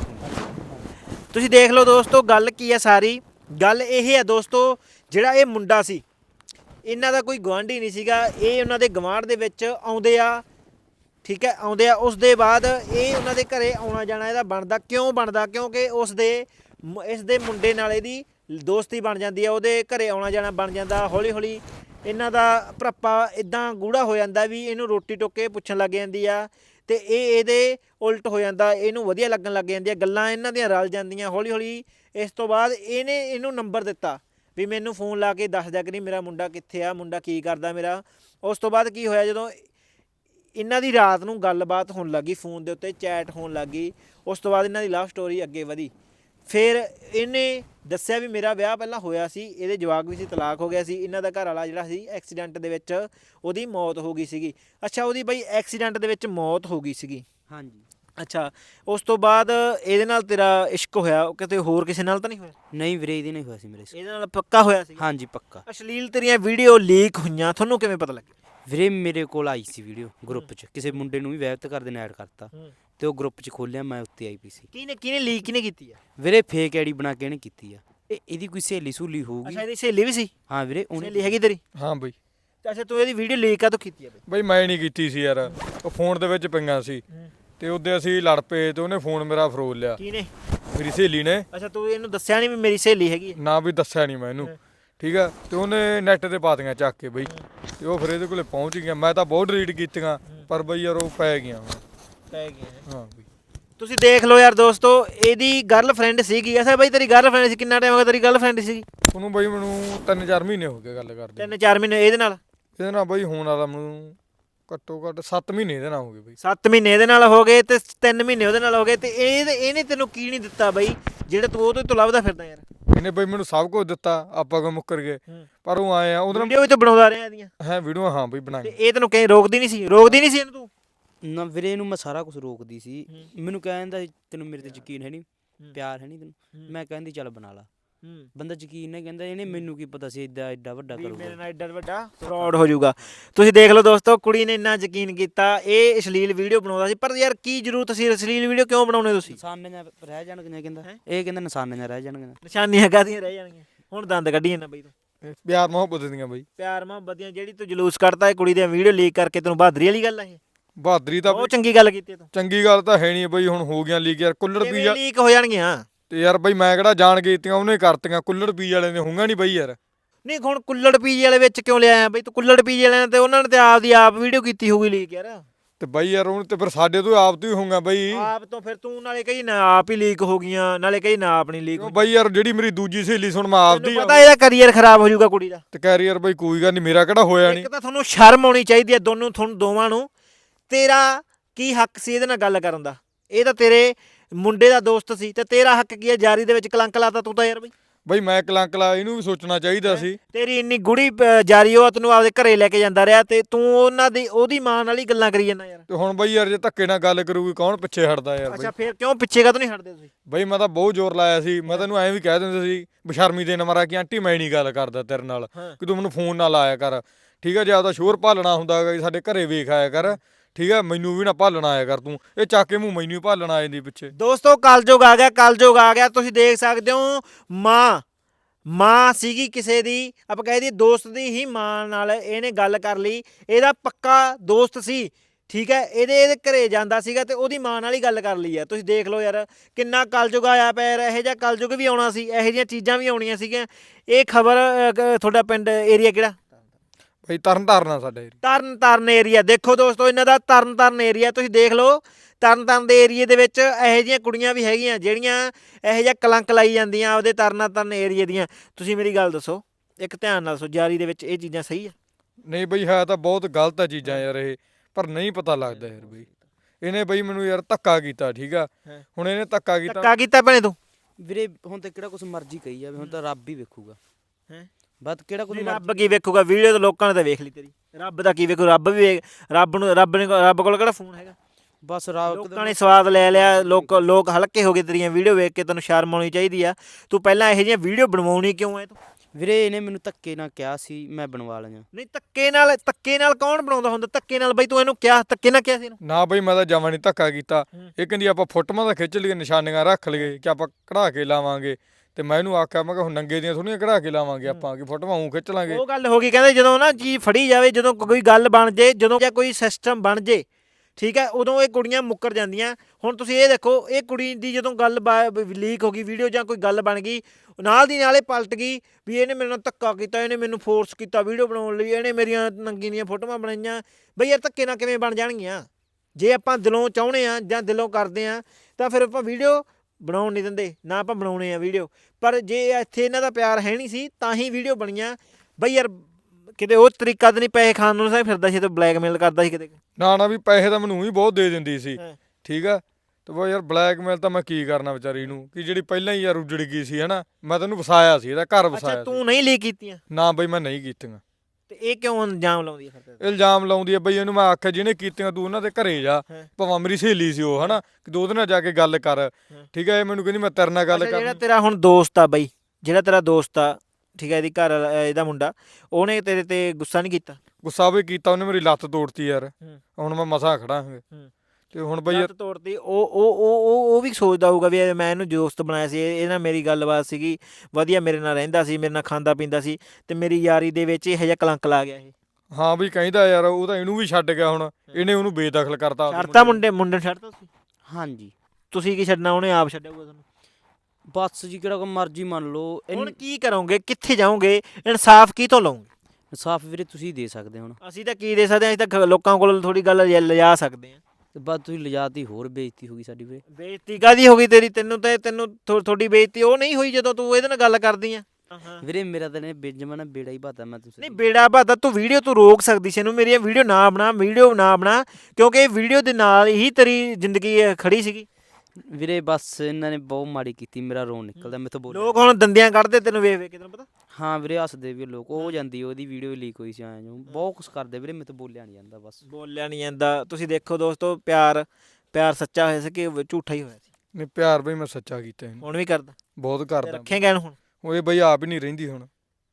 [SPEAKER 1] ਤੁਸੀਂ ਦੇਖ ਲਓ ਦੋਸਤੋ ਗੱਲ ਕੀ ਹੈ ਸਾਰੀ। ਗੱਲ ਇਹ ਹੈ ਦੋਸਤੋ, ਜਿਹੜਾ ਇਹ ਮੁੰਡਾ ਸੀ ਇਹਨਾਂ ਦਾ ਕੋਈ ਗੁਆਂਢੀ ਨਹੀਂ ਸੀਗਾ, ਇਹ ਉਹਨਾਂ ਦੇ ਗਵਾਂਢ ਦੇ ਵਿੱਚ ਆਉਂਦੇ ਆ, ਠੀਕ ਹੈ, ਆਉਂਦੇ ਆ। ਉਸ ਦੇ ਬਾਅਦ ਇਹ ਉਹਨਾਂ ਦੇ ਘਰੇ ਆਉਣਾ ਜਾਣਾ ਇਹਦਾ ਬਣਦਾ, ਕਿਉਂ ਬਣਦਾ? ਕਿਉਂਕਿ ਉਸ ਦੇ ਮ- ਇਸ ਦੇ ਮੁੰਡੇ ਨਾਲ ਇਹਦੀ ਦੋਸਤੀ ਬਣ ਜਾਂਦੀ ਆ, ਉਹਦੇ ਘਰੇ ਆਉਣਾ ਜਾਣਾ ਬਣ ਜਾਂਦਾ। ਹੌਲੀ ਹੌਲੀ ਇਹਨਾਂ ਦਾ ਭਰਾਪਾ ਇਦਾਂ ਗੂੜਾ ਹੋ ਜਾਂਦਾ ਵੀ ਇਹਨੂੰ ਰੋਟੀ ਟੋਕੇ ਪੁੱਛਣ ਲੱਗ ਜਾਂਦੀ ਆ, ਤੇ ਇਹ ਇਹਦੇ ਉਲਟ ਹੋ ਜਾਂਦਾ, ਇਹਨੂੰ ਵਧੀਆ ਲੱਗਣ ਲੱਗ ਜਾਂਦੀਆਂ, ਗੱਲਾਂ ਇਹਨਾਂ ਦੀਆਂ ਰਲ ਜਾਂਦੀਆਂ ਹੌਲੀ ਹੌਲੀ। ਇਸ ਤੋਂ ਬਾਅਦ ਇਹਨੇ ਇਹਨੂੰ ਨੰਬਰ ਦਿੱਤਾ ਵੀ ਮੈਨੂੰ ਫੋਨ ਲਾ ਕੇ ਦੱਸ ਦਿਆ ਕਰੀ ਮੇਰਾ ਮੁੰਡਾ ਕਿੱਥੇ ਆ, ਮੁੰਡਾ ਕੀ ਕਰਦਾ ਮੇਰਾ। ਉਸ ਤੋਂ ਬਾਅਦ ਕੀ ਹੋਇਆ, ਜਦੋਂ ਇਹਨਾਂ ਦੀ ਰਾਤ ਨੂੰ ਗੱਲਬਾਤ ਹੋਣ ਲੱਗੀ, ਫੋਨ ਦੇ ਉੱਤੇ ਚੈਟ ਹੋਣ ਲੱਗੀ, ਉਸ ਤੋਂ ਬਾਅਦ ਇਹਨਾਂ ਦੀ ਲਵ ਸਟੋਰੀ ਅੱਗੇ ਵਧੀ। ਫਿਰ ਇਹਨੇ ਦੱਸਿਆ ਵੀ ਮੇਰਾ ਵਿਆਹ ਪਹਿਲਾਂ ਹੋਇਆ ਸੀ, ਇਹਦੇ ਜਵਾਕ ਵੀ ਸੀ, ਤਲਾਕ ਹੋ ਗਿਆ ਸੀ, ਇਹਨਾਂ ਦਾ ਘਰ ਵਾਲਾ ਜਿਹੜਾ ਸੀ ਐਕਸੀਡੈਂਟ ਦੇ ਵਿੱਚ ਉਹਦੀ ਮੌਤ ਹੋ ਗਈ ਸੀਗੀ। ਅੱਛਾ, ਉਹਦੀ ਬਈ ਐਕਸੀਡੈਂਟ ਦੇ ਵਿੱਚ ਮੌਤ ਹੋ ਗਈ ਸੀਗੀ?
[SPEAKER 3] ਹਾਂਜੀ।
[SPEAKER 1] ਅੱਛਾ, ਉਸ ਤੋਂ ਬਾਅਦ ਇਹਦੇ ਨਾਲ ਤੇਰਾ ਇਸ਼ਕ ਹੋਇਆ, ਉਹ ਕਿਤੇ ਹੋਰ ਕਿਸੇ ਨਾਲ ਤਾਂ ਨਹੀਂ ਹੋਇਆ?
[SPEAKER 3] ਨਹੀਂ ਵੀਰੇ ਇਹਦੇ ਨਹੀਂ ਹੋਇਆ ਸੀ ਮੇਰੇ।
[SPEAKER 1] ਇਹਦੇ ਨਾਲ ਪੱਕਾ ਹੋਇਆ ਸੀ?
[SPEAKER 3] ਹਾਂਜੀ ਪੱਕਾ।
[SPEAKER 1] ਅਸ਼ਲੀਲ ਤੇਰੀਆਂ ਵੀਡੀਓ ਲੀਕ ਹੋਈਆਂ, ਤੁਹਾਨੂੰ ਕਿਵੇਂ ਪਤਾ ਲੱਗਿਆ?
[SPEAKER 3] ਵੀਰੇ ਮੇਰੇ ਕੋਲ ਆਈ ਸੀ ਵੀਡੀਓ ਗਰੁੱਪ 'ਚ, ਕਿਸੇ ਮੁੰਡੇ ਨੂੰ ਵੀ ਵੈਬ ਕਰਦੇ ਨੇ ਐਡ ਕਰਤਾ, ਤੇ ਉਹ ਗਰੁੱਪ 'ਚ ਖੋਲਿਆ, ਮੈਂ ਉੱਤੇ ਆਈ ਪਈ ਸੀ।
[SPEAKER 1] ਕਿਹਨੇ ਕਿਹਨੇ ਲੀਕ ਕਿਹਨੇ ਕੀਤੀ ਆ?
[SPEAKER 3] ਵੀਰੇ ਫੇਕ ਆਈਡੀ ਬਣਾ ਕੇ ਇਹਨੇ ਕੀਤੀ ਆ। ਇਹ ਇਹਦੀ ਕੋਈ ਸਹੇਲੀ ਸਹੂਲੀ ਹੋਊਗੀ।
[SPEAKER 1] ਅੱਛਾ, ਇਹਦੀ ਸਹੇਲੀ ਵੀ ਸੀ?
[SPEAKER 3] ਹਾਂ ਵੀਰੇ ਉਹਨੇ
[SPEAKER 1] ਸਹੇਲੀ ਹੈਗੀ ਤੇਰੀ?
[SPEAKER 2] ਹਾਂ ਬਈ।
[SPEAKER 1] ਅੱਛਾ, ਤੂੰ ਇਹਦੀ ਵੀਡੀਓ ਲੀਕ ਕਾਹਤੋਂ ਕੀਤੀ ਆ ਬਈ?
[SPEAKER 2] ਬਈ ਮੈਂ ਨਹੀਂ ਕੀਤੀ ਸੀ ਯਾਰ, ਉਹ ਫੋਨ ਦੇ ਵਿੱਚ ਪਈਆਂ ਸੀ, ਤੇ ਉਹਦੇ ਅਸੀਂ ਲੜ ਪਏ ਤੇ ਉਹਨੇ ਫੋਨ ਮੇਰਾ ਫਰੋਲ ਲਿਆ,
[SPEAKER 1] ਕਿਹਨੇ?
[SPEAKER 2] ਮੇਰੀ ਸਹੇਲੀ ਨੇ।
[SPEAKER 1] ਅੱਛਾ, ਤੂੰ ਇਹਨੂੰ ਦੱਸਿਆ ਨਹੀਂ ਵੀ ਮੇਰੀ ਸਹੇਲੀ ਹੈਗੀ ਹੈ?
[SPEAKER 2] ਨਾ ਵੀ ਦੱਸਿਆ ਨਹੀਂ ਮੈਂ ਇਹਨੂੰ, ਠੀਕ ਆ। ਤੇ ਉਹਨੇ ਨੈਟ ਤੇ ਪਾ ਦਿੱਤੀਆਂ ਚੱਕ ਕੇ ਬਈ, ਤੇ ਉਹ ਫਿਰ ਇਹਦੇ ਕੋਲੇ ਪਹੁੰਚ ਗਿਆ। ਮੈਂ ਤਾਂ ਬਹੁਤ ਡਿਲੀਟ ਕੀਤੀਆਂ, ਪਰ ਬਈ ਯਾਰ ਉਹ ਪੈ ਗਈਆਂ ਹੁਣ।
[SPEAKER 1] ਪੈ ਗਏ।
[SPEAKER 2] ਹਾਂ ਬਈ।
[SPEAKER 1] ਤੁਸੀਂ ਦੇਖ ਲਓ ਯਾਰ ਦੋਸਤੋ, ਇਹਦੀ ਗਰਲਫ੍ਰੈਂਡ ਸੀਗੀ। ਅੱਛਾ ਬਈ, ਤੇਰੀ ਗਰਲਫ੍ਰੈਂਡ ਸੀ? ਕਿੰਨਾ ਟਾਈਮ ਹੋ ਗਿਆ ਤੇਰੀ ਗਰਲਫ੍ਰੈਂਡ ਸੀਗੀ?
[SPEAKER 2] ਉਹਨੂੰ ਬਈ ਮੈਨੂੰ ਤਿੰਨ ਚਾਰ ਮਹੀਨੇ ਹੋ ਗਏ ਗੱਲ ਕਰਦੇ।
[SPEAKER 1] ਤਿੰਨ ਚਾਰ ਮਹੀਨੇ ਇਹਦੇ ਨਾਲ?
[SPEAKER 2] ਇਹਦੇ ਨਾਲ ਬਈ ਹੋਣ ਵਾਲਾ ਮੈਨੂੰ ਘੱਟੋ ਘੱਟ ਸੱਤ ਮਹੀਨੇ ਇਹਦੇ ਨਾਲ ਹੋ ਗਏ ਬਈ।
[SPEAKER 1] ਸੱਤ ਮਹੀਨੇ ਇਹਦੇ ਨਾਲ ਹੋ ਗਏ ਤੇ ਤਿੰਨ ਮਹੀਨੇ ਉਹਦੇ ਨਾਲ ਹੋ ਗਏ, ਤੇ ਇਹ ਇਹਨੇ ਤੈਨੂੰ ਕੀ ਨਹੀਂ ਦਿੱਤਾ ਬਈ ਜਿਹੜਾ ਤੂੰ ਉਹਦੇ ਤੋਂ ਲੱਭਦਾ ਫਿਰਦਾ ਯਾਰ?
[SPEAKER 2] ਇਹਨੇ ਬਈ ਮੈਨੂੰ ਸਭ ਕੁਝ ਦਿੱਤਾ, ਆਪਾਂ ਕੋ ਮੁੱਕਰ ਗਏ, ਪਰ ਉਹ ਆਏ ਆ ਉਹਦੇ ਨਾਲ
[SPEAKER 1] ਵੀਡੀਓ ਵੀ ਤੂੰ ਬਣਾਉਂਦਾ ਰਿਹਾ ਇਹਦੀਆਂ?
[SPEAKER 2] ਹੈ ਵੀਡੀਓ, ਹਾਂ ਬਈ
[SPEAKER 1] ਤੇ
[SPEAKER 2] ਬਣਾਈ।
[SPEAKER 1] ਇਹ ਤੈਨੂੰ ਕਹੀਂ ਰੋਕਦੀ ਨਹੀਂ ਸੀ? ਰੋਕਦੀ ਨਹੀਂ ਸੀ ਇਹਨੂੰ ਤੂੰ?
[SPEAKER 3] ਨਾ ਵੀਰੇ ਇਹਨੂੰ ਮੈਂ ਸਾਰਾ ਕੁਝ ਰੋਕਦੀ ਸੀ। ਮੈਨੂੰ ਕਹਿੰਦਾ ਤੈਨੂੰ ਮੇਰੇ ਤੇ ਯਕੀਨ ਹੈ ਨਹੀਂ, ਪਿਆਰ ਹੈ ਨਹੀਂ ਤੈਨੂੰ? ਮੈਂ ਕਹਿੰਦੀ ਚੱਲ ਬਣਾ ਲਾ। ਬੰਦਾ ਯਕੀਨ ਨਹੀਂ ਕਹਿੰਦਾ, ਇਹਨੇ ਮੈਨੂੰ ਕੀ ਪਤਾ ਸੀ ਇੱਦਾਂ ਐਡਾ ਵੱਡਾ ਕਰੂਗਾ,
[SPEAKER 1] ਮੇਰੇ ਨਾਲ ਐਡਾ ਵੱਡਾ ਫਰਾਡ ਹੋ ਜਾਊਗਾ। ਤੁਸੀਂ ਦੇਖ ਲਓ ਦੋਸਤੋ, ਕੁੜੀ ਨੇ ਇੰਨਾ ਯਕੀਨ ਕੀਤਾ, ਇਹ ਅਸ਼ਲੀਲ ਵੀਡੀਓ ਬਣਾਉਂਦਾ ਸੀ। ਪਰ ਯਾਰ ਕੀ ਜ਼ਰੂਰਤ ਸੀ ਅਸ਼ਲੀਲ ਵੀਡੀਓ ਕਿਉਂ ਬਣਾਉਣੇ ਤੁਸੀਂ?
[SPEAKER 3] ਨਿਸ਼ਾਨੀਆਂ ਰਹਿ ਜਾਣਗੀਆਂ ਕਹਿੰਦਾ, ਇਹ ਕਹਿੰਦਾ ਨਿਸ਼ਾਨੀਆਂ ਰਹਿ ਜਾਣਗੀਆਂ।
[SPEAKER 1] ਨਿਸ਼ਾਨੀਆਂ ਕਾਹਦੀਆਂ ਰਹਿ ਜਾਣਗੀਆਂ? ਹੁਣ ਦੰਦ ਕੱਢੀ ਜਾਂਦਾ ਬਈ ਤੂੰ।
[SPEAKER 2] ਪਿਆਰ ਮੁਹੱਬਤ ਦੀਆਂ ਬਈ।
[SPEAKER 1] ਪਿਆਰ ਮੁਹੱਬਤ ਦੀਆਂ ਜਿਹੜੀ ਤੂੰ ਜਲੂਸ ਕੱਢਤਾ ਇਹ ਕੁੜੀ ਦੀਆਂ ਵੀਡੀਓ ਲੀਕ ਕਰਕੇ, ਤੈਨੂੰ ਬਹਾਦਰੀ ਵਾਲੀ ਗੱਲ ਆ ਇਹ?
[SPEAKER 2] ਬਹਾਦਰੀ ਤਾਂ
[SPEAKER 1] ਬਹੁਤ ਚੰਗੀ ਗੱਲ ਕੀਤੀ ਤੂੰ।
[SPEAKER 2] ਚੰਗੀ ਗੱਲ ਤਾਂ ਹੈ ਨਹੀਂ ਬਈ, ਹੁਣ ਹੋ ਗਿਆ ਲੀਕ ਯਾਰ। ਕੁੱਲੜ ਪੀ ਜਾ
[SPEAKER 1] ਲੀਕ ਹੋ ਜਾਣਗੀਆਂ
[SPEAKER 2] ਤੇ ਯਾਰ ਬਈ ਮੈਂ ਕਿਹੜਾ ਜਾਣ ਕੇ ਦਿੱਤੀਆਂ, ਉਹਨੇ ਕਰਤੀਆਂ। ਕੁੱਲੜ ਪੀ ਵਾਲੇ ਨੇ ਹੋਊਗਾ ਨਹੀਂ ਬਈ ਯਾਰ।
[SPEAKER 1] ਨਹੀਂ ਹੁਣ ਕੁੱਲੜ ਪੀਜੀ ਵਾਲੇ ਵਿੱਚ ਕਿਉਂ ਲਿਆਇਆ ਬਈ ਤੂੰ? ਕੁੱਲੜ ਪੀਜੀ ਵਾਲਿਆਂ ਨੇ ਤੇ ਉਹਨਾਂ ਨੇ ਤੇ ਆਪ ਦੀ ਆਪ ਵੀਡੀਓ ਕੀਤੀ ਹੋਊਗੀ ਲੀਕ ਯਾਰ।
[SPEAKER 2] ਤੇ ਬਈ ਯਾਰ ਹੁਣ ਤੇ ਫਿਰ ਸਾਡੇ ਤੋਂ ਆਪ ਤੋਂ ਹੀ ਹੋਊਗਾ ਬਈ।
[SPEAKER 1] ਆਪ ਤੋਂ ਫਿਰ ਤੂੰ ਨਾਲੇ ਕਹੀ ਨਾ ਆਪ ਹੀ ਲੀਕ ਹੋ ਗਈਆਂ, ਨਾਲੇ ਕਹੀ ਨਾ ਆਪਣੀ ਲੀਕ ਹੋ
[SPEAKER 2] ਬਈ ਯਾਰ ਜਿਹੜੀ ਮੇਰੀ ਦੂਜੀ ਸਹੇਲੀ ਸੁਣ ਮੈਂ ਆਪਦੀ
[SPEAKER 1] ਪਤਾ ਇਹਦਾ ਕੈਰੀਅਰ ਖਰਾਬ ਹੋ ਜਾਊਗਾ ਕੁੜੀ ਦਾ।
[SPEAKER 2] ਤੇ ਕੈਰੀਅਰ ਬਈ ਕੋਈ ਗੱਲ ਨਹੀਂ, ਮੇਰਾ ਕਿਹੜਾ ਹੋਇਆ ਨਹੀਂ।
[SPEAKER 1] ਇੱਕ ਤਾਂ ਤੁਹਾਨੂੰ ਸ਼ਰਮ ਆਉਣੀ ਚਾਹੀਦੀ ਹੈ ਦੋਨੋਂ, ਤੁਹਾਨੂੰ ਦੋਵਾਂ ਨੂੰ। ਤੇਰਾ ਕੀ ਹੱਕ ਸੀ ਇਹਦੇ ਨਾਲ ਗੱਲ ਕਰਨ ਦਾ? ਇਹ ਤਾਂ ਤੇਰੇ ਮੁੰਡੇ ਦਾ ਦੋਸਤ ਸੀ, ਤੇ ਤੇਰਾ ਹੱਕ ਕੀ ਹੈ ਜਾਰੀ ਦੇ ਵਿੱਚ ਕਲੰਕ ਲਾਤਾ ਤੂੰ ਤਾਂ ਯਾਰ ਬਈ।
[SPEAKER 2] ਬਈ ਮੈਂ ਕਲੰਕ ਲਾ, ਇਹਨੂੰ ਵੀ ਸੋਚਣਾ ਚਾਹੀਦਾ ਸੀ।
[SPEAKER 1] ਤੇਰੀ ਇੰਨੀ ਗੂੜੀ ਅ, ਜਾਰੀ ਉਹ ਤੈਨੂੰ ਆਪਦੇ ਘਰੇ ਲੈ ਕੇ ਜਾਂਦਾ ਰਿਹਾ, ਤੇ ਤੂੰ ਉਹਨਾਂ ਦੀ ਉਹਦੀ ਮਾਂ ਨਾਲ ਹੀ ਗੱਲਾਂ ਕਰੀ ਜਾਂਦਾ ਯਾਰ।
[SPEAKER 2] ਤੇ ਹੁਣ ਬਈ ਯਾਰ ਜੇ ਧੱਕੇ ਨਾਲ ਗੱਲ ਕਰੂਗੀ ਕੌਣ ਪਿੱਛੇ ਹਟਦਾ ਯਾਰ ਬਈ।
[SPEAKER 1] ਅੱਛਾ ਫਿਰ ਕਿਉਂ ਪਿੱਛੇ ਕਾ ਨਹੀਂ ਹਟਦੇ ਤੁਸੀਂ?
[SPEAKER 2] ਬਈ ਮੈਂ ਤਾਂ ਬਹੁਤ ਜ਼ੋਰ ਲਾਇਆ ਸੀ, ਮੈਂ ਤੈਨੂੰ ਐਂ ਵੀ ਕਹਿ ਦਿੰਦਾ ਸੀ ਬਸ਼ਰਮੀ ਦੇ ਨੰਬਰ ਆ ਕਿ ਆਂਟੀ ਮੈਂ ਨਹੀਂ ਗੱਲ ਕਰਦਾ ਤੇਰੇ ਨਾਲ, ਕਿ ਤੂੰ ਮੈਨੂੰ ਫੋਨ ਨਾ ਲਾਇਆ ਕਰ, ਠੀਕ ਹੈ। ਜੇ ਆਪਦਾ ਸ਼ੋਰ ਭਾਲਣਾ ਹੁੰਦਾ ਹੈਗਾ ਸਾਡੇ ਘਰੇ ਵੇਖ ਆਇਆ ਕਰ, ਠੀਕ ਹੈ। ਮੈਨੂੰ ਵੀ ਨਾ ਭਾਲਣਾ ਆਇਆ ਕਰ ਤੂੰ, ਇਹ ਚੱਕ ਕੇ ਮੂੰਹ ਮੈਨੂੰ ਹੀ ਭਾਲਣਾ ਆ ਜਾਂਦੀ ਪਿੱਛੇ।
[SPEAKER 1] ਦੋਸਤੋ ਕਲਯੁਗ ਆ ਗਿਆ, ਕਲਯੁਗ ਆ ਗਿਆ। ਤੁਸੀਂ ਦੇਖ ਸਕਦੇ ਹੋ ਮਾਂ ਮਾਂ ਸੀਗੀ ਕਿਸੇ ਦੀ, ਆਪਾਂ ਕਹਿ ਦਈਏ ਦੋਸਤ ਦੀ ਹੀ ਮਾਂ ਨਾਲ ਇਹਨੇ ਗੱਲ ਕਰ ਲਈ। ਇਹਦਾ ਪੱਕਾ ਦੋਸਤ ਸੀ, ਠੀਕ ਹੈ। ਇਹਦੇ ਇਹਦੇ ਘਰੇ ਜਾਂਦਾ ਸੀਗਾ ਤੇ ਉਹਦੀ ਮਾਂ ਨਾਲ ਹੀ ਗੱਲ ਕਰ ਲਈ ਆ। ਤੁਸੀਂ ਦੇਖ ਲਓ ਯਾਰ ਕਿੰਨਾ ਕਲਯੁਗ ਆਇਆ ਪਿਆ। ਇਹੋ ਜਿਹਾ ਕਲਯੁਗ ਵੀ ਆਉਣਾ ਸੀ, ਇਹੋ ਜਿਹੀਆਂ ਚੀਜ਼ਾਂ ਵੀ ਆਉਣੀਆਂ ਸੀਗੀਆਂ। ਇਹ ਖਬਰ ਤੁਹਾਡਾ ਪਿੰਡ ਏਰੀਆ ਕਿਹੜਾ?
[SPEAKER 2] ਬਈ ਤਰਨ ਤਾਰਨ ਸਾਡੇ
[SPEAKER 1] ਤਰਨ ਤਾਰਨ ਏਰੀਆ। ਦੇਖੋ ਦੋਸਤੋ ਇਹਨਾਂ ਦਾ ਤਰਨ ਤਾਰਨ ਏਰੀਆ, ਤੁਸੀਂ ਦੇਖ ਲਓ ਤਰਨ ਤਾਰਨ ਦੇ ਏਰੀਏ ਦੇ ਵਿੱਚ ਇਹੋ ਜਿਹੀਆਂ ਕੁੜੀਆਂ ਵੀ ਹੈਗੀਆਂ ਜਿਹੜੀਆਂ ਇਹੋ ਜਿਹਾ ਕਲੰਕ ਲਾਈ ਜਾਂਦੀਆਂ ਆਪਦੇ ਤਰਨਾ ਤਾਰਨ ਏਰੀਏ ਦੀਆਂ। ਤੁਸੀਂ ਮੇਰੀ ਗੱਲ ਦੱਸੋ, ਇੱਕ ਧਿਆਨ ਨਾਲ ਦੱਸੋ, ਜਾਰੀ ਦੇ ਵਿੱਚ ਇਹ ਚੀਜ਼ਾਂ ਸਹੀ ਆ?
[SPEAKER 2] ਨਹੀਂ ਬਈ ਹੈ ਤਾਂ ਬਹੁਤ ਗਲਤ ਆ ਚੀਜ਼ਾਂ ਯਾਰ ਇਹ। ਪਰ ਨਹੀਂ ਪਤਾ ਲੱਗਦਾ ਯਾਰ ਬਈ ਇਹਨੇ ਬਈ ਮੈਨੂੰ ਯਾਰ ਧੱਕਾ ਕੀਤਾ ਠੀਕ ਆ
[SPEAKER 1] ਹਾਂ।
[SPEAKER 2] ਹੁਣ ਇਹਨੇ ਧੱਕਾ ਕੀਤਾ
[SPEAKER 1] ਧੱਕਾ ਕੀਤਾ ਭੈਣੇ ਤੂੰ
[SPEAKER 3] ਵੀਰੇ ਹੁਣ ਤਾਂ ਕਿਹੜਾ ਕੁਛ ਮਰਜ਼ੀ ਕਹੀ ਜਾਵੇ ਹੁਣ ਤਾਂ ਰੱਬ ਹੀ ਵੇਖੂਗਾ
[SPEAKER 1] ਹੈਂ?
[SPEAKER 3] ਬਾਤ ਕਿਹੜਾ ਕੁਛ
[SPEAKER 1] ਰੱਬ ਕੀ ਵੇਖੂਗਾ ਵੀਡੀਓ ਤਾਂ ਲੋਕਾਂ ਨੇ ਤਾਂ ਵੇਖ ਲਈ ਤੇਰੀ ਰੱਬ ਦਾ ਕੀ ਵੇਖੂ ਰੱਬ ਵੀ ਵੇਖ- ਰੱਬ ਨੂੰ ਰੱਬ ਨੇ ਰੱਬ ਕੋਲ ਕਿਹੜਾ ਫੋਨ ਹੈਗਾ
[SPEAKER 3] ਬਸ ਰੱਬ
[SPEAKER 1] ਲੋਕਾਂ ਨੇ ਸਵਾਦ ਲੈ ਲਿਆ ਲੋਕ ਲੋਕ ਹਲਕੇ ਹੋ ਗਏ ਤੇਰੀਆਂ ਵੀਡੀਓ ਵੇਖ ਕੇ ਤੈਨੂੰ ਸ਼ਰਮ ਆਉਣੀ ਚਾਹੀਦੀ ਆ ਤੂੰ ਪਹਿਲਾਂ ਇਹੋ ਜਿਹੀਆਂ ਵੀਡੀਓ ਬਣਵਾਉਣੀ ਕਿਉਂ ਐ ਤੂੰ
[SPEAKER 3] ਵੀਰੇ ਇਹਨੇ ਮੈਨੂੰ ਧੱਕੇ ਨਾਲ ਕਿਹਾ ਸੀ ਮੈਂ ਬਣਵਾ ਲਿਆ
[SPEAKER 1] ਨਹੀਂ ਧੱਕੇ ਨਾਲ ਧੱਕੇ ਨਾਲ ਕੌਣ ਬਣਾਉਂਦਾ ਹੁੰਦਾ ਧੱਕੇ ਨਾਲ ਬਈ ਤੂੰ ਇਹਨੂੰ ਕਿਹਾ ਧੱਕੇ ਨਾਲ ਕਿਹਾ ਸੀ ਇਹਨੂੰ
[SPEAKER 2] ਨਾ ਬਈ ਮੈਂ ਤਾਂ ਜਮਾਂ ਨਹੀਂ ਧੱਕਾ ਕੀਤਾ
[SPEAKER 1] ਹੂੰ।
[SPEAKER 2] ਇਹ ਕਹਿੰਦੀ ਆਪਾਂ ਫੋਟੋਆਂ ਤਾਂ ਖਿੱਚ ਲਈਏ ਨਿਸ਼ਾਨੀਆਂ ਰੱਖ ਲਈਏ ਕਿ ਆਪਾਂ ਕਢਾ ਕੇ ਲਾਵਾਂਗੇ ਤੇ ਮੈਂ ਇਹਨੂੰ ਆਖਿਆ ਮੈਂ ਕਿਹਾ ਹੁਣ ਨੰਗੇ ਦੀਆਂ ਥੋੜੀਆਂ ਕਢਾ ਕੇ ਲਾਵਾਂਗੇ ਆਪਾਂ ਕਿ ਫੋਟੋਆਂ ਉਂ ਖਿੱਚ ਲਾਂਗੇ
[SPEAKER 1] ਉਹ ਗੱਲ ਹੋ ਗਈ ਕਹਿੰਦੇ ਜਦੋਂ ਨਾ ਚੀਜ਼ ਫੜੀ ਜਾਵੇ ਜਦੋਂ ਕੋਈ ਗੱਲ ਬਣ ਜੇ ਜਦੋਂ ਜਾਂ ਕੋਈ ਸਿਸਟਮ ਬਣ ਜੇ ਠੀਕ ਹੈ ਉਦੋਂ ਇਹ ਕੁੜੀਆਂ ਮੁੱਕਰ ਜਾਂਦੀਆਂ ਹੁਣ ਤੁਸੀਂ ਇਹ ਦੇਖੋ ਇਹ ਕੁੜੀ ਦੀ ਜਦੋਂ ਗੱਲ ਲੀਕ ਹੋ ਗਈ ਵੀਡੀਓ ਜਾਂ ਕੋਈ ਗੱਲ ਬਣ ਗਈ ਨਾਲ ਦੀ ਨਾਲੇ ਪਲਟ ਗਈ ਵੀ ਇਹਨੇ ਮੇਰੇ ਨਾਲ ਧੱਕਾ ਕੀਤਾ ਇਹਨੇ ਮੈਨੂੰ ਫੋਰਸ ਕੀਤਾ ਵੀਡੀਓ ਬਣਾਉਣ ਲਈ ਇਹਨੇ ਮੇਰੀਆਂ ਨੰਗੀ ਦੀਆਂ ਫੋਟੋਆਂ ਬਣਾਈਆਂ ਬਈ ਯਾਰ ਧੱਕੇ ਨਾਲ ਕਿਵੇਂ ਬਣ ਜਾਣਗੀਆਂ ਜੇ ਆਪਾਂ ਦਿਲੋਂ ਚਾਹੁੰਦੇ ਆ ਜਾਂ ਦਿਲੋਂ ਕਰਦੇ ਆ ਤਾਂ ਫਿਰ ਆਪਾਂ ਵੀਡੀਓ ਬਣਾਉਣ ਨਹੀਂ ਦਿੰਦੇ ਨਾ ਆਪਾਂ ਬਣਾਉਣੇ ਆ ਵੀਡੀਓ ਪਰ ਜੇ ਇੱਥੇ ਇਹਨਾਂ ਦਾ ਪਿਆਰ ਹੈ ਨਹੀਂ ਸੀ ਤਾਂ ਹੀ ਵੀਡੀਓ ਬਣੀਆਂ ਬਈ ਯਾਰ ਕਿਤੇ ਉਹ ਤਰੀਕਾ ਤਾਂ ਨਹੀਂ ਪੈਸੇ ਖਾਣ ਨੂੰ ਸਾਂ ਫਿਰਦਾ ਸੀ ਤੇ ਬਲੈਕਮੇਲ ਕਰਦਾ ਸੀ ਕਿਤੇ
[SPEAKER 2] ਨਾ ਨਾ ਵੀ ਪੈਸੇ ਤਾਂ ਮੈਨੂੰ ਹੀ ਬਹੁਤ ਦੇ ਦਿੰਦੀ ਸੀ
[SPEAKER 1] ਹਾਂ।
[SPEAKER 2] ਠੀਕ ਆ ਤੇ ਬਈ ਯਾਰ ਬਲੈਕਮੇਲ ਤਾਂ ਮੈਂ ਕੀ ਕਰਨਾ ਵਿਚਾਰੀ ਨੂੰ ਕਿ ਜਿਹੜੀ ਪਹਿਲਾਂ ਹੀ ਯਾਰ ਉਜੜ ਗਈ ਸੀ ਹਨਾ ਮੈਂ ਤੈਨੂੰ ਵਸਾਇਆ ਸੀ ਇਹਦਾ ਘਰ
[SPEAKER 1] ਅੱਛਾ
[SPEAKER 2] ਵਸਾਇਆ ਸੀ
[SPEAKER 1] ਤੂੰ ਨਹੀਂ ਲੀਕ ਕੀਤੀਆਂ
[SPEAKER 2] ਨਾ ਬਈ ਮੈਂ ਨਹੀਂ ਕੀਤੀਆਂ
[SPEAKER 1] ਤੇ ਇਹ ਕਿਉਂ ਇਲਜ਼ਾਮ ਲਾਉਂਦੀ ਹੈ ਫਿਰ
[SPEAKER 2] ਇਲਜ਼ਾਮ ਲਾਉਂਦੀ ਆ ਬਈ ਇਹਨੂੰ ਮੈਂ ਆਖਿਆ ਜਿਹਨੇ ਕੀਤੀਆਂ ਤੂੰ ਉਹਨਾਂ ਦੇ ਘਰੇ ਜਾ
[SPEAKER 1] ਹਾਂ।
[SPEAKER 2] ਭਾਵੇਂ ਮੇਰੀ ਸਹੇਲੀ ਸੀ ਉਹ ਹਨਾ ਕਿ ਦੋ ਉਹਦੇ ਨਾਲ ਜਾ ਕੇ ਗੱਲ ਕਰ ਠੀਕ ਆ ਇਹ ਮੈਨੂੰ ਕਹਿੰਦੀ ਮੈਂ ਤੇਰੇ ਨਾਲ ਗੱਲ
[SPEAKER 1] ਅੱਛਾ, ਜਿਹੜਾ
[SPEAKER 2] ਕਰ
[SPEAKER 1] ਤੇਰਾ ਹੁਣ ਦੋਸਤ ਆ ਬਈ ਜਿਹੜਾ ਤੇਰਾ ਦੋਸਤ ਆ ਠੀਕ ਹੈ ਇਹਦੀ ਘਰ ਵਾਲਾ- ਇਹਦਾ ਮੁੰਡਾ ਉਹਨੇ ਤੇਰੇ ਤੇ ਗੁੱਸਾ ਨਹੀਂ ਕੀਤਾ
[SPEAKER 2] ਗੁੱਸਾ ਵੀ ਕੀਤਾ ਉਹਨੇ ਮੇਰੀ ਲੱਤ ਤੋੜਤੀ ਯਾਰ
[SPEAKER 1] ਹੂੰ।
[SPEAKER 2] ਹੁਣ ਮੈਂ ਮਸਾਂ ਖੜਾ ਹਾਂ
[SPEAKER 1] ਹੂੰ।
[SPEAKER 2] ਤੇ ਹੁਣ ਬਈ ਯਾਰ
[SPEAKER 1] ਲੱਤ ਤੋੜਦੀ ਉਹ ਉਹ ਉਹ ਉਹ ਉਹ ਵੀ ਸੋਚਦਾ ਹੋਊਗਾ ਵੀ ਇਹ ਮੈਂ ਇਹਨੂੰ ਦੋਸਤ ਬਣਾਇਆ ਸੀ ਇਹ ਇਹ ਨਾਲ ਮੇਰੀ ਗੱਲਬਾਤ ਸੀਗੀ ਵਧੀਆ ਮੇਰੇ ਨਾਲ ਰਹਿੰਦਾ ਸੀ ਮੇਰੇ ਨਾਲ ਖਾਂਦਾ ਪੀਂਦਾ ਸੀ ਤੇ ਮੇਰੀ ਯਾਰੀ ਦੇ ਵਿੱਚ ਇਹੋ ਜਿਹਾ ਕਲੰਕ ਲਾ ਗਿਆ ਇਹ
[SPEAKER 2] ਹਾਂ ਵੀ ਕਹਿੰਦਾ ਯਾਰ ਉਹ ਤਾਂ ਇਹਨੂੰ ਵੀ ਛੱਡ ਗਿਆ ਹੁਣ ਇਹਨੇ ਉਹਨੂੰ ਬੇਦਖਲ ਕਰਤਾ ਆਪਦੇ
[SPEAKER 1] ਛੱਡਤਾ
[SPEAKER 2] ਮੁੰਡੇ
[SPEAKER 1] ਮੁੰਡੇ ਮੁੰਡੇ ਨੂੰ ਛੱਡਤਾ ਤੁਸੀਂ
[SPEAKER 3] ਹਾਂਜੀ
[SPEAKER 1] ਤੁਸੀਂ ਕੀ ਛੱਡਣਾ ਉਹਨੇ ਆਪ ਛੱਡਿਆ ਹੋਊਗਾ ਤੁਹਾਨੂੰ
[SPEAKER 3] ਬਸ ਜੀ ਕਿਹੜਾ ਕੋ ਮਰਜ਼ੀ ਮੰਨ ਲਓ
[SPEAKER 1] ਹੁਣ ਕੀ ਕਰੋਗੇ ਕਿੱਥੇ ਜਾਓਗੇ ਇਨਸਾਫ ਕੀ ਤੋਂ ਲਓਗੇ
[SPEAKER 3] ਇਨਸਾਫ ਵੀਰੇ ਤੁਸੀਂ ਦੇ ਸਕਦੇ ਹੋ ਹੁਣ
[SPEAKER 1] ਅਸੀਂ ਤਾਂ ਕੀ ਦੇ ਸਕਦੇ ਹਾਂ ਅਸੀਂ ਤਾਂ ਲੋਕਾਂ ਕੋਲ ਥੋੜੀ ਗੱਲ ਲਿਜਾ- ਲਿਜਾ ਸਕਦੇ ਹਾਂ
[SPEAKER 3] ਤੇ ਬਾਅਦ ਤੁਸੀਂ ਲਿਜਾਤੀ ਹੋਰ ਬੇਇੱਜ਼ਤੀ ਹੋ ਗਈ ਸਾਡੀ ਵੀਰੇ
[SPEAKER 1] ਬੇਇੱਜ਼ਤੀ ਕਾਦੀ ਹੋ ਗਈ ਤੇਰੀ ਤੈਨੂੰ ਤੇ ਤੈਨੂੰ ਥੋ- ਤੁਹਾਡੀ ਬੇਇੱਜ਼ਤੀ ਉਹ ਨਹੀਂ ਹੋਈ ਜਦੋਂ ਤੂੰ ਇਹਦੇ ਨਾਲ ਗੱਲ ਕਰਦੀ ਆ
[SPEAKER 3] ਵੀਰੇ ਮੇਰਾ ਤਾਂ ਨੇ ਬੇਜਮਾ ਨਾ ਬੇੜਾ ਹੀ ਭਾਤਾ ਮੈਂ ਤੁਸੀਂ
[SPEAKER 1] ਨਹੀਂ ਬੇੜਾ ਭਾਦਾ ਤੂੰ ਵੀਡੀਓ ਤੂੰ ਰੋਕ ਸਕਦੀ ਸੀ ਇਹਨੂੰ ਮੇਰੀ ਵੀਡੀਓ ਨਾ ਬਣਾ ਵੀਡੀਓ ਨਾ ਬਣਾ ਕਿਉਂਕਿ ਇਹ ਵੀਡੀਓ ਦੇ ਨਾਲ ਹੀ ਤੇਰੀ ਜ਼ਿੰਦਗੀ ਇਹ ਖੜੀ ਸੀਗੀ
[SPEAKER 3] ਵੀਰੇ ਬਸ ਇਹਨਾਂ ਨੇ ਬਹੁਤ ਮਾੜੀ ਕੀਤੀ ਮੇਰਾ ਰੋਣ ਨਿਕਲਦਾ ਮੈਥੋਂ ਬੋਲ
[SPEAKER 1] ਲੋਕ ਹੁਣ ਦੰਦੀਆਂ ਕੱਢਦੇ ਤੈਨੂੰ ਵੇਖ ਵੇਖ ਕੇ ਤੈਨੂੰ ਪਤਾ
[SPEAKER 3] ਹਾਂ ਵੀਰੇ ਹੱਸਦੇ ਵੀ ਲੋਕ ਉਹ ਜਾਂਦੀ ਉਹਦੀ ਵੀਡੀਓ ਲੀਕ ਹੋਈ ਸੀ ਐਂ ਜੋ ਬਹੁਤ ਕੁਛ ਕਰਦੇ ਵੀਰੇ ਮੈਥੋਂ ਬੋਲਿਆ ਨਹੀਂ ਜਾਂਦਾ ਬਸ
[SPEAKER 1] ਬੋਲਿਆ ਨਹੀਂ ਜਾਂਦਾ ਤੁਸੀਂ ਦੇਖੋ ਦੋਸਤੋ ਪਿਆਰ ਪਿਆਰ ਸੱਚਾ ਹੋਇਆ ਸੀ ਕਿ ਝੂਠਾ ਹੀ ਹੋਇਆ ਸੀ
[SPEAKER 2] ਨਹੀਂ ਪਿਆਰ ਬਈ ਮੈਂ ਸੱਚਾ ਕੀਤਾ ਇਹਨੂੰ
[SPEAKER 1] ਹੁਣ ਵੀ ਕਰਦਾ
[SPEAKER 2] ਬਹੁਤ
[SPEAKER 1] ਤੇ
[SPEAKER 2] ਕਰਦਾ
[SPEAKER 1] ਰੱਖੇਗਾ ਇਹਨੂੰ ਹੁਣ
[SPEAKER 2] ਉਹ ਇਹ ਬਈ ਆਪ ਹੀ ਨਹੀਂ ਰਹਿੰਦੀ ਹੁਣ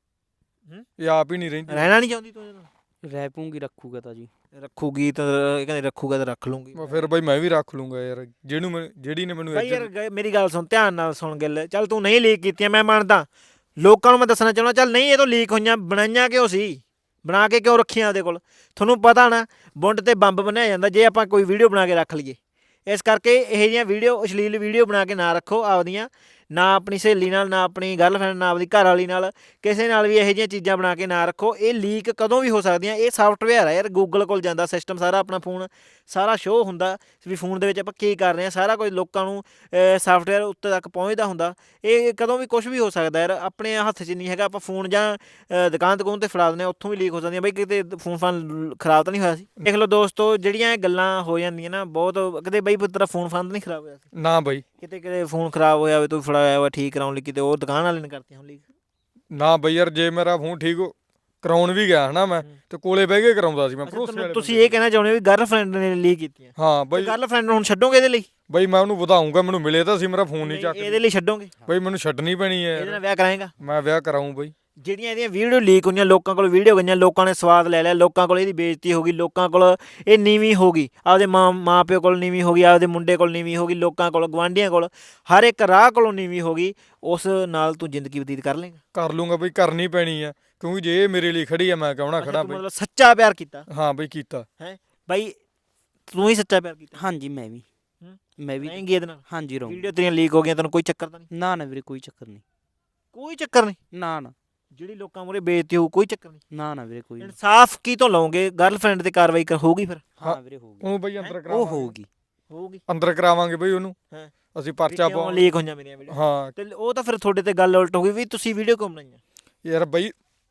[SPEAKER 1] ਹੂੰ?
[SPEAKER 2] ਇਹ ਆਪ ਹੀ ਨਹੀਂ ਰਹਿੰਦੀ
[SPEAKER 1] ਰਹਿਣਾ ਨਹੀਂ ਚਾਹੁੰਦੀ ਤੂੰ ਇਹਦੇ ਨਾਲ
[SPEAKER 3] ਰਹਿ ਪੂੰਗੀ ਰੱਖੂਗਾ ਤਾਂ ਜੀ
[SPEAKER 1] ਰੱਖੂਗੀ ਤਾਂ ਇਹ ਕਹਿੰਦੇ ਰੱਖੂਗਾ ਤਾਂ ਰੱਖ ਲੂੰਗੀ
[SPEAKER 2] ਮੈਂ ਫਿਰ ਬਈ ਮੈਂ ਵੀ ਰੱਖ ਲੂੰਗਾ ਯਾਰ ਜਿਹਨੂੰ ਮੈਂ ਜਿਹੜੀ ਨੇ ਮੈਨੂੰ
[SPEAKER 1] ਭਾਈ ਯਾਰ
[SPEAKER 2] ਇੱਜ਼ਤ-
[SPEAKER 1] ਗ- ਮੇਰੀ ਗੱਲ ਸੁਣ ਧਿਆਨ ਨਾਲ ਸੁਣ ਗੱਲ ਚੱਲ ਤੂੰ ਨਹੀਂ ਲੀਕ ਕੀਤੀਆਂ ਮੈਂ ਮੰਨਦਾ ਲੋਕਾਂ ਨੂੰ ਮੈਂ ਦੱਸਣਾ ਚਾਹੁੰਦਾ ਚੱਲ ਨਹੀਂ ਇਹ ਤੋਂ ਲੀਕ ਹੋਈਆਂ ਬਣਾਈਆਂ ਕਿਉਂ ਸੀ ਬਣਾ ਕੇ ਕਿਉਂ ਰੱਖੀਆਂ ਉਹਦੇ ਕੋਲ ਤੁਹਾਨੂੰ ਪਤਾ ਨਾ ਬੁੰਡ ਤੇ ਬੰਬ ਬਣਾਇਆ ਜਾਂਦਾ ਜੇ ਆਪਾਂ ਕੋਈ ਵੀਡੀਓ ਬਣਾ ਕੇ ਰੱਖ ਲਈਏ ਇਸ ਕਰਕੇ ਇਹੋ ਜਿਹੀਆਂ ਵੀਡੀਓ ਅਸ਼ਲੀਲ ਵੀਡੀਓ ਬਣਾ ਕੇ ਨਾ ਰੱਖੋ ਆਪਦੀਆਂ ਨਾ ਆਪਣੀ ਸਹੇਲੀ ਨਾਲ ਨਾ ਆਪਣੀ ਗਰਲਫ੍ਰੈਂਡ ਨਾ ਆਪਣੀ ਘਰ ਵਾਲੀ ਨਾਲ ਕਿਸੇ ਨਾਲ ਵੀ ਇਹੋ ਜਿਹੀਆਂ ਚੀਜ਼ਾਂ ਬਣਾ ਕੇ ਨਾ ਰੱਖੋ ਇਹ ਲੀਕ ਕਦੋਂ ਵੀ ਹੋ ਸਕਦੀਆਂ ਇਹ ਸਾਫਟਵੇਅਰ ਆ ਯਾਰ ਗੂਗਲ ਕੋਲ ਜਾਂਦਾ ਸਿਸਟਮ ਸਾਰਾ ਆਪਣਾ ਫੋਨ ਸਾਰਾ ਸ਼ੋਅ ਹੁੰਦਾ ਵੀ ਫੋਨ ਦੇ ਵਿੱਚ ਆਪਾਂ ਕੀ ਕਰ ਰਹੇ ਹਾਂ ਸਾਰਾ ਕੁਝ ਲੋਕਾਂ ਨੂੰ ਸਾਫਟਵੇਅਰ ਉੱਤੇ ਤੱਕ ਪਹੁੰਚਦਾ ਹੁੰਦਾ ਇਹ ਕਦੋਂ ਵੀ ਕੁਝ ਵੀ ਹੋ ਸਕਦਾ ਯਾਰ ਆਪਣੇ ਹੱਥ 'ਚ ਨਹੀਂ ਹੈਗਾ ਆਪਾਂ ਫੋਨ ਜਾਂ ਅ, ਦੁਕਾਨ ਦੁਕਾਨ ਤੇ ਫੜਾ ਦਿੰਦੇ ਹਾਂ ਉੱਥੋਂ ਵੀ ਲੀਕ ਹੋ ਜਾਂਦੀਆਂ ਬਈ ਕਿਤੇ ਫੋਨ ਫਾਨ ਖਰਾਬ ਤਾਂ ਨਹੀਂ ਹੋਇਆ ਸੀ ਦੇਖ ਲਓ ਦੋਸਤੋ ਜਿਹੜੀਆਂ ਇਹ ਗੱਲਾਂ ਹੋ ਜਾਂਦੀਆਂ ਨਾ ਬਹੁਤ ਕਿਤੇ ਬਈ ਤੇਰਾ ਫੋਨ ਫਾਨ ਤਾਂ ਨਹੀਂ ਖਰਾਬ ਹੋਇਆ ਸੀ
[SPEAKER 2] ਨਾ ਬਈ
[SPEAKER 1] ਕਿਤੇ ਕਿਤੇ ਫੋਨ ਖਰਾਬ ਹੋਇਆ ਹੋਵੇ ਤੂੰ ਫੜਾਇਆ ਹੋਇਆ ਠੀਕ ਕਰਾਉਣ ਲਈ ਕਿਤੇ ਉਹ ਦੁਕਾਨ ਵਾਲੇ ਨੇ ਕਰਤੀਆਂ ਹੁਣ ਲੀਕ
[SPEAKER 2] ਨਾ ਬਈ ਯਾਰ ਜੇ ਮੇਰਾ ਫੋਨ ਠੀਕ ਹੋ- ਕਰਾਉਣ ਵੀ ਗਿਆ ਹਨਾ ਮੈਂ ਤੇ ਕੋਲੇ ਬਹਿ ਕੇ ਕਰਾਉਂਦਾ ਸੀ ਮੈਂ
[SPEAKER 1] ਅੱਛਾ,
[SPEAKER 2] ਭਰੋਸੇ
[SPEAKER 1] ਤੁਹਾਨੂੰ-
[SPEAKER 2] ਵਾਲੇ
[SPEAKER 1] ਤੁਸੀਂ
[SPEAKER 2] ਬੰਦੇ
[SPEAKER 1] ਇਹ ਕਹਿਣਾ ਚਾਹੁੰਦੇ ਹੋ ਵੀ ਗਰਲਫ੍ਰੈਂਡ ਨੇ ਲੀਕ ਕੀਤੀਆਂ
[SPEAKER 2] ਹਾਂ ਬਈ
[SPEAKER 1] ਗਰਲਫ੍ਰੈਂਡ ਨੂੰ ਹੁਣ ਛੱਡੋਗੇ ਇਹਦੇ ਲਈ
[SPEAKER 2] ਬਈ ਮੈਂ ਉਹਨੂੰ ਵਧਾਉਂਗਾ ਮੈਨੂੰ ਮਿਲੇ ਤਾਂ ਸੀ ਮੇਰਾ ਫੋਨ ਨਹੀਂ ਚੱਕ
[SPEAKER 1] ਇਹਦੇ ਲਈ ਛੱਡੋਗੇ
[SPEAKER 2] ਬਈ ਮੈਨੂੰ ਛੱਡਣੀ ਪੈਣੀ ਹੈ
[SPEAKER 1] ਇਹਦੇ
[SPEAKER 2] ਯਾਰ
[SPEAKER 1] ਨਾਲ ਵਿਆਹ ਕਰਾਏਗਾ
[SPEAKER 2] ਮੈਂ ਵਿਆਹ ਕਰਾਉਂ ਬਈ
[SPEAKER 1] ਜਿਹੜੀਆਂ ਇਹਦੀਆਂ ਵੀਡੀਓ ਲੀਕ ਹੋਈਆਂ ਲੋਕਾਂ ਕੋਲ ਵੀਡੀਓ ਗਈਆਂ ਲੋਕਾਂ ਨੇ ਸਵਾਦ ਲੈ ਲਿਆ ਲੋਕਾਂ ਕੋਲ ਇਹਦੀ ਬੇਇੱਜ਼ਤੀ ਹੋ ਗਈ ਲੋਕਾਂ ਕੋਲ ਇਹ ਨੀਵੀਂ ਹੋ ਗਈ ਆਪਦੇ ਮਾਂ ਮਾਂ ਪਿਓ ਕੋਲ ਨੀਵੀਂ ਹੋ ਗਈ ਆਪਦੇ ਮੁੰਡੇ ਕੋਲ ਨੀਵੀਂ ਹੋ ਗਈ ਲੋਕਾਂ ਕੋਲ ਗਵਾਂਢੀਆਂ ਕੋਲ ਹਰ ਇੱਕ ਰਾਹ ਕੋਲੋਂ ਨੀਵੀਂ ਹੋ ਗਈ ਉਸ ਨਾਲ ਤੂੰ ਜ਼ਿੰਦਗੀ ਬਤੀਤ ਕਰ ਲੇਗਾ
[SPEAKER 2] ਕਰ ਲੂੰਗਾ ਬਈ ਕਰਨੀ ਪੈਣੀ ਆ ਕਿਉਂਕਿ ਜੇ ਇਹ ਮੇਰੇ ਲਈ ਖੜੀ ਆ ਮੈਂ ਕਹਣਾ ਖੜਾ ਬਈ
[SPEAKER 1] ਮਤਲਬ ਸੱਚਾ ਪਿਆਰ ਕੀਤਾ
[SPEAKER 2] ਹਾਂ ਬਈ ਕੀਤਾ
[SPEAKER 1] ਹੈ ਬਾਈ ਤੂੰ ਹੀ ਸੱਚਾ ਪਿਆਰ ਕੀਤਾ
[SPEAKER 3] ਹਾਂਜੀ ਮੈਂ ਵੀ
[SPEAKER 1] ਹੂੰ?
[SPEAKER 3] ਮੈਂ ਵੀ
[SPEAKER 1] ਰਹੇਂਗੀ ਇਹਦੇ ਨਾਲ
[SPEAKER 3] ਹਾਂਜੀ ਰਹੂੰ
[SPEAKER 1] ਵੀਡੀਓ ਤੇਰੀਆਂ ਲੀਕ ਹੋ ਗਈਆਂ ਤੈਨੂੰ ਕੋਈ ਚੱਕਰ ਤਾਂ ਨਹੀਂ
[SPEAKER 3] ਨਾ ਨਾ ਵੀਰੇ ਕੋਈ ਚੱਕਰ ਨਹੀਂ
[SPEAKER 1] ਕੋਈ ਚੱਕਰ ਨਹੀਂ
[SPEAKER 3] ਨਾ ਨਾ
[SPEAKER 1] ਜਿਹੜੀ ਲੋਕਾਂ ਮੂਹਰੇ ਬੇਇੱਜ਼ਤੀ ਹੋਊ ਕੋਈ ਚੱਕਰ ਨਹੀਂ
[SPEAKER 3] ਨਾ ਨਾ ਵੀਰੇ ਕੋਈ ਨਹੀਂ
[SPEAKER 1] ਇਨਸਾਫ ਕੀ ਤੋਂ ਲਓਗੇ ਗਰਲਫ੍ਰੈਂਡ ਤੇ ਕਾਰਵਾਈ ਕਰ ਹੋਊਗੀ ਫਿਰ
[SPEAKER 3] ਹਾਂ ਵੀਰੇ ਹੋਊਗੀ
[SPEAKER 2] ਉਹਨੂੰ ਬਈ ਅੰਦਰ
[SPEAKER 3] ਉਹ
[SPEAKER 2] ਕਰਾਵਾਂਗੇ
[SPEAKER 3] ਹੋਊਗੀ
[SPEAKER 1] ਹੋਊਗੀ
[SPEAKER 2] ਅੰਦਰ ਕਰਾਵਾਂਗੇ ਬਈ ਉਹਨੂੰ
[SPEAKER 1] ਹਾਂ।
[SPEAKER 2] ਅਸੀਂ ਪਰਚਾ
[SPEAKER 1] ਕਿਉਂ
[SPEAKER 2] ਪਾ
[SPEAKER 1] ਲੀਕ ਹੋਈਆਂ ਮੇਰੀਆਂ ਵੀਡੀਓ
[SPEAKER 2] ਹਾਂ
[SPEAKER 1] ਤੇ ਉਹ ਤਾਂ ਫਿਰ ਤੁਹਾਡੇ ਤੇ ਗੱਲ ਉਲਟ ਹੋ ਗਈ ਵੀ ਤੁਸੀਂ ਵੀਡੀਓ ਕਿਉਂ ਬਣਾਈਆਂ
[SPEAKER 2] ਯਾਰ ਬਈ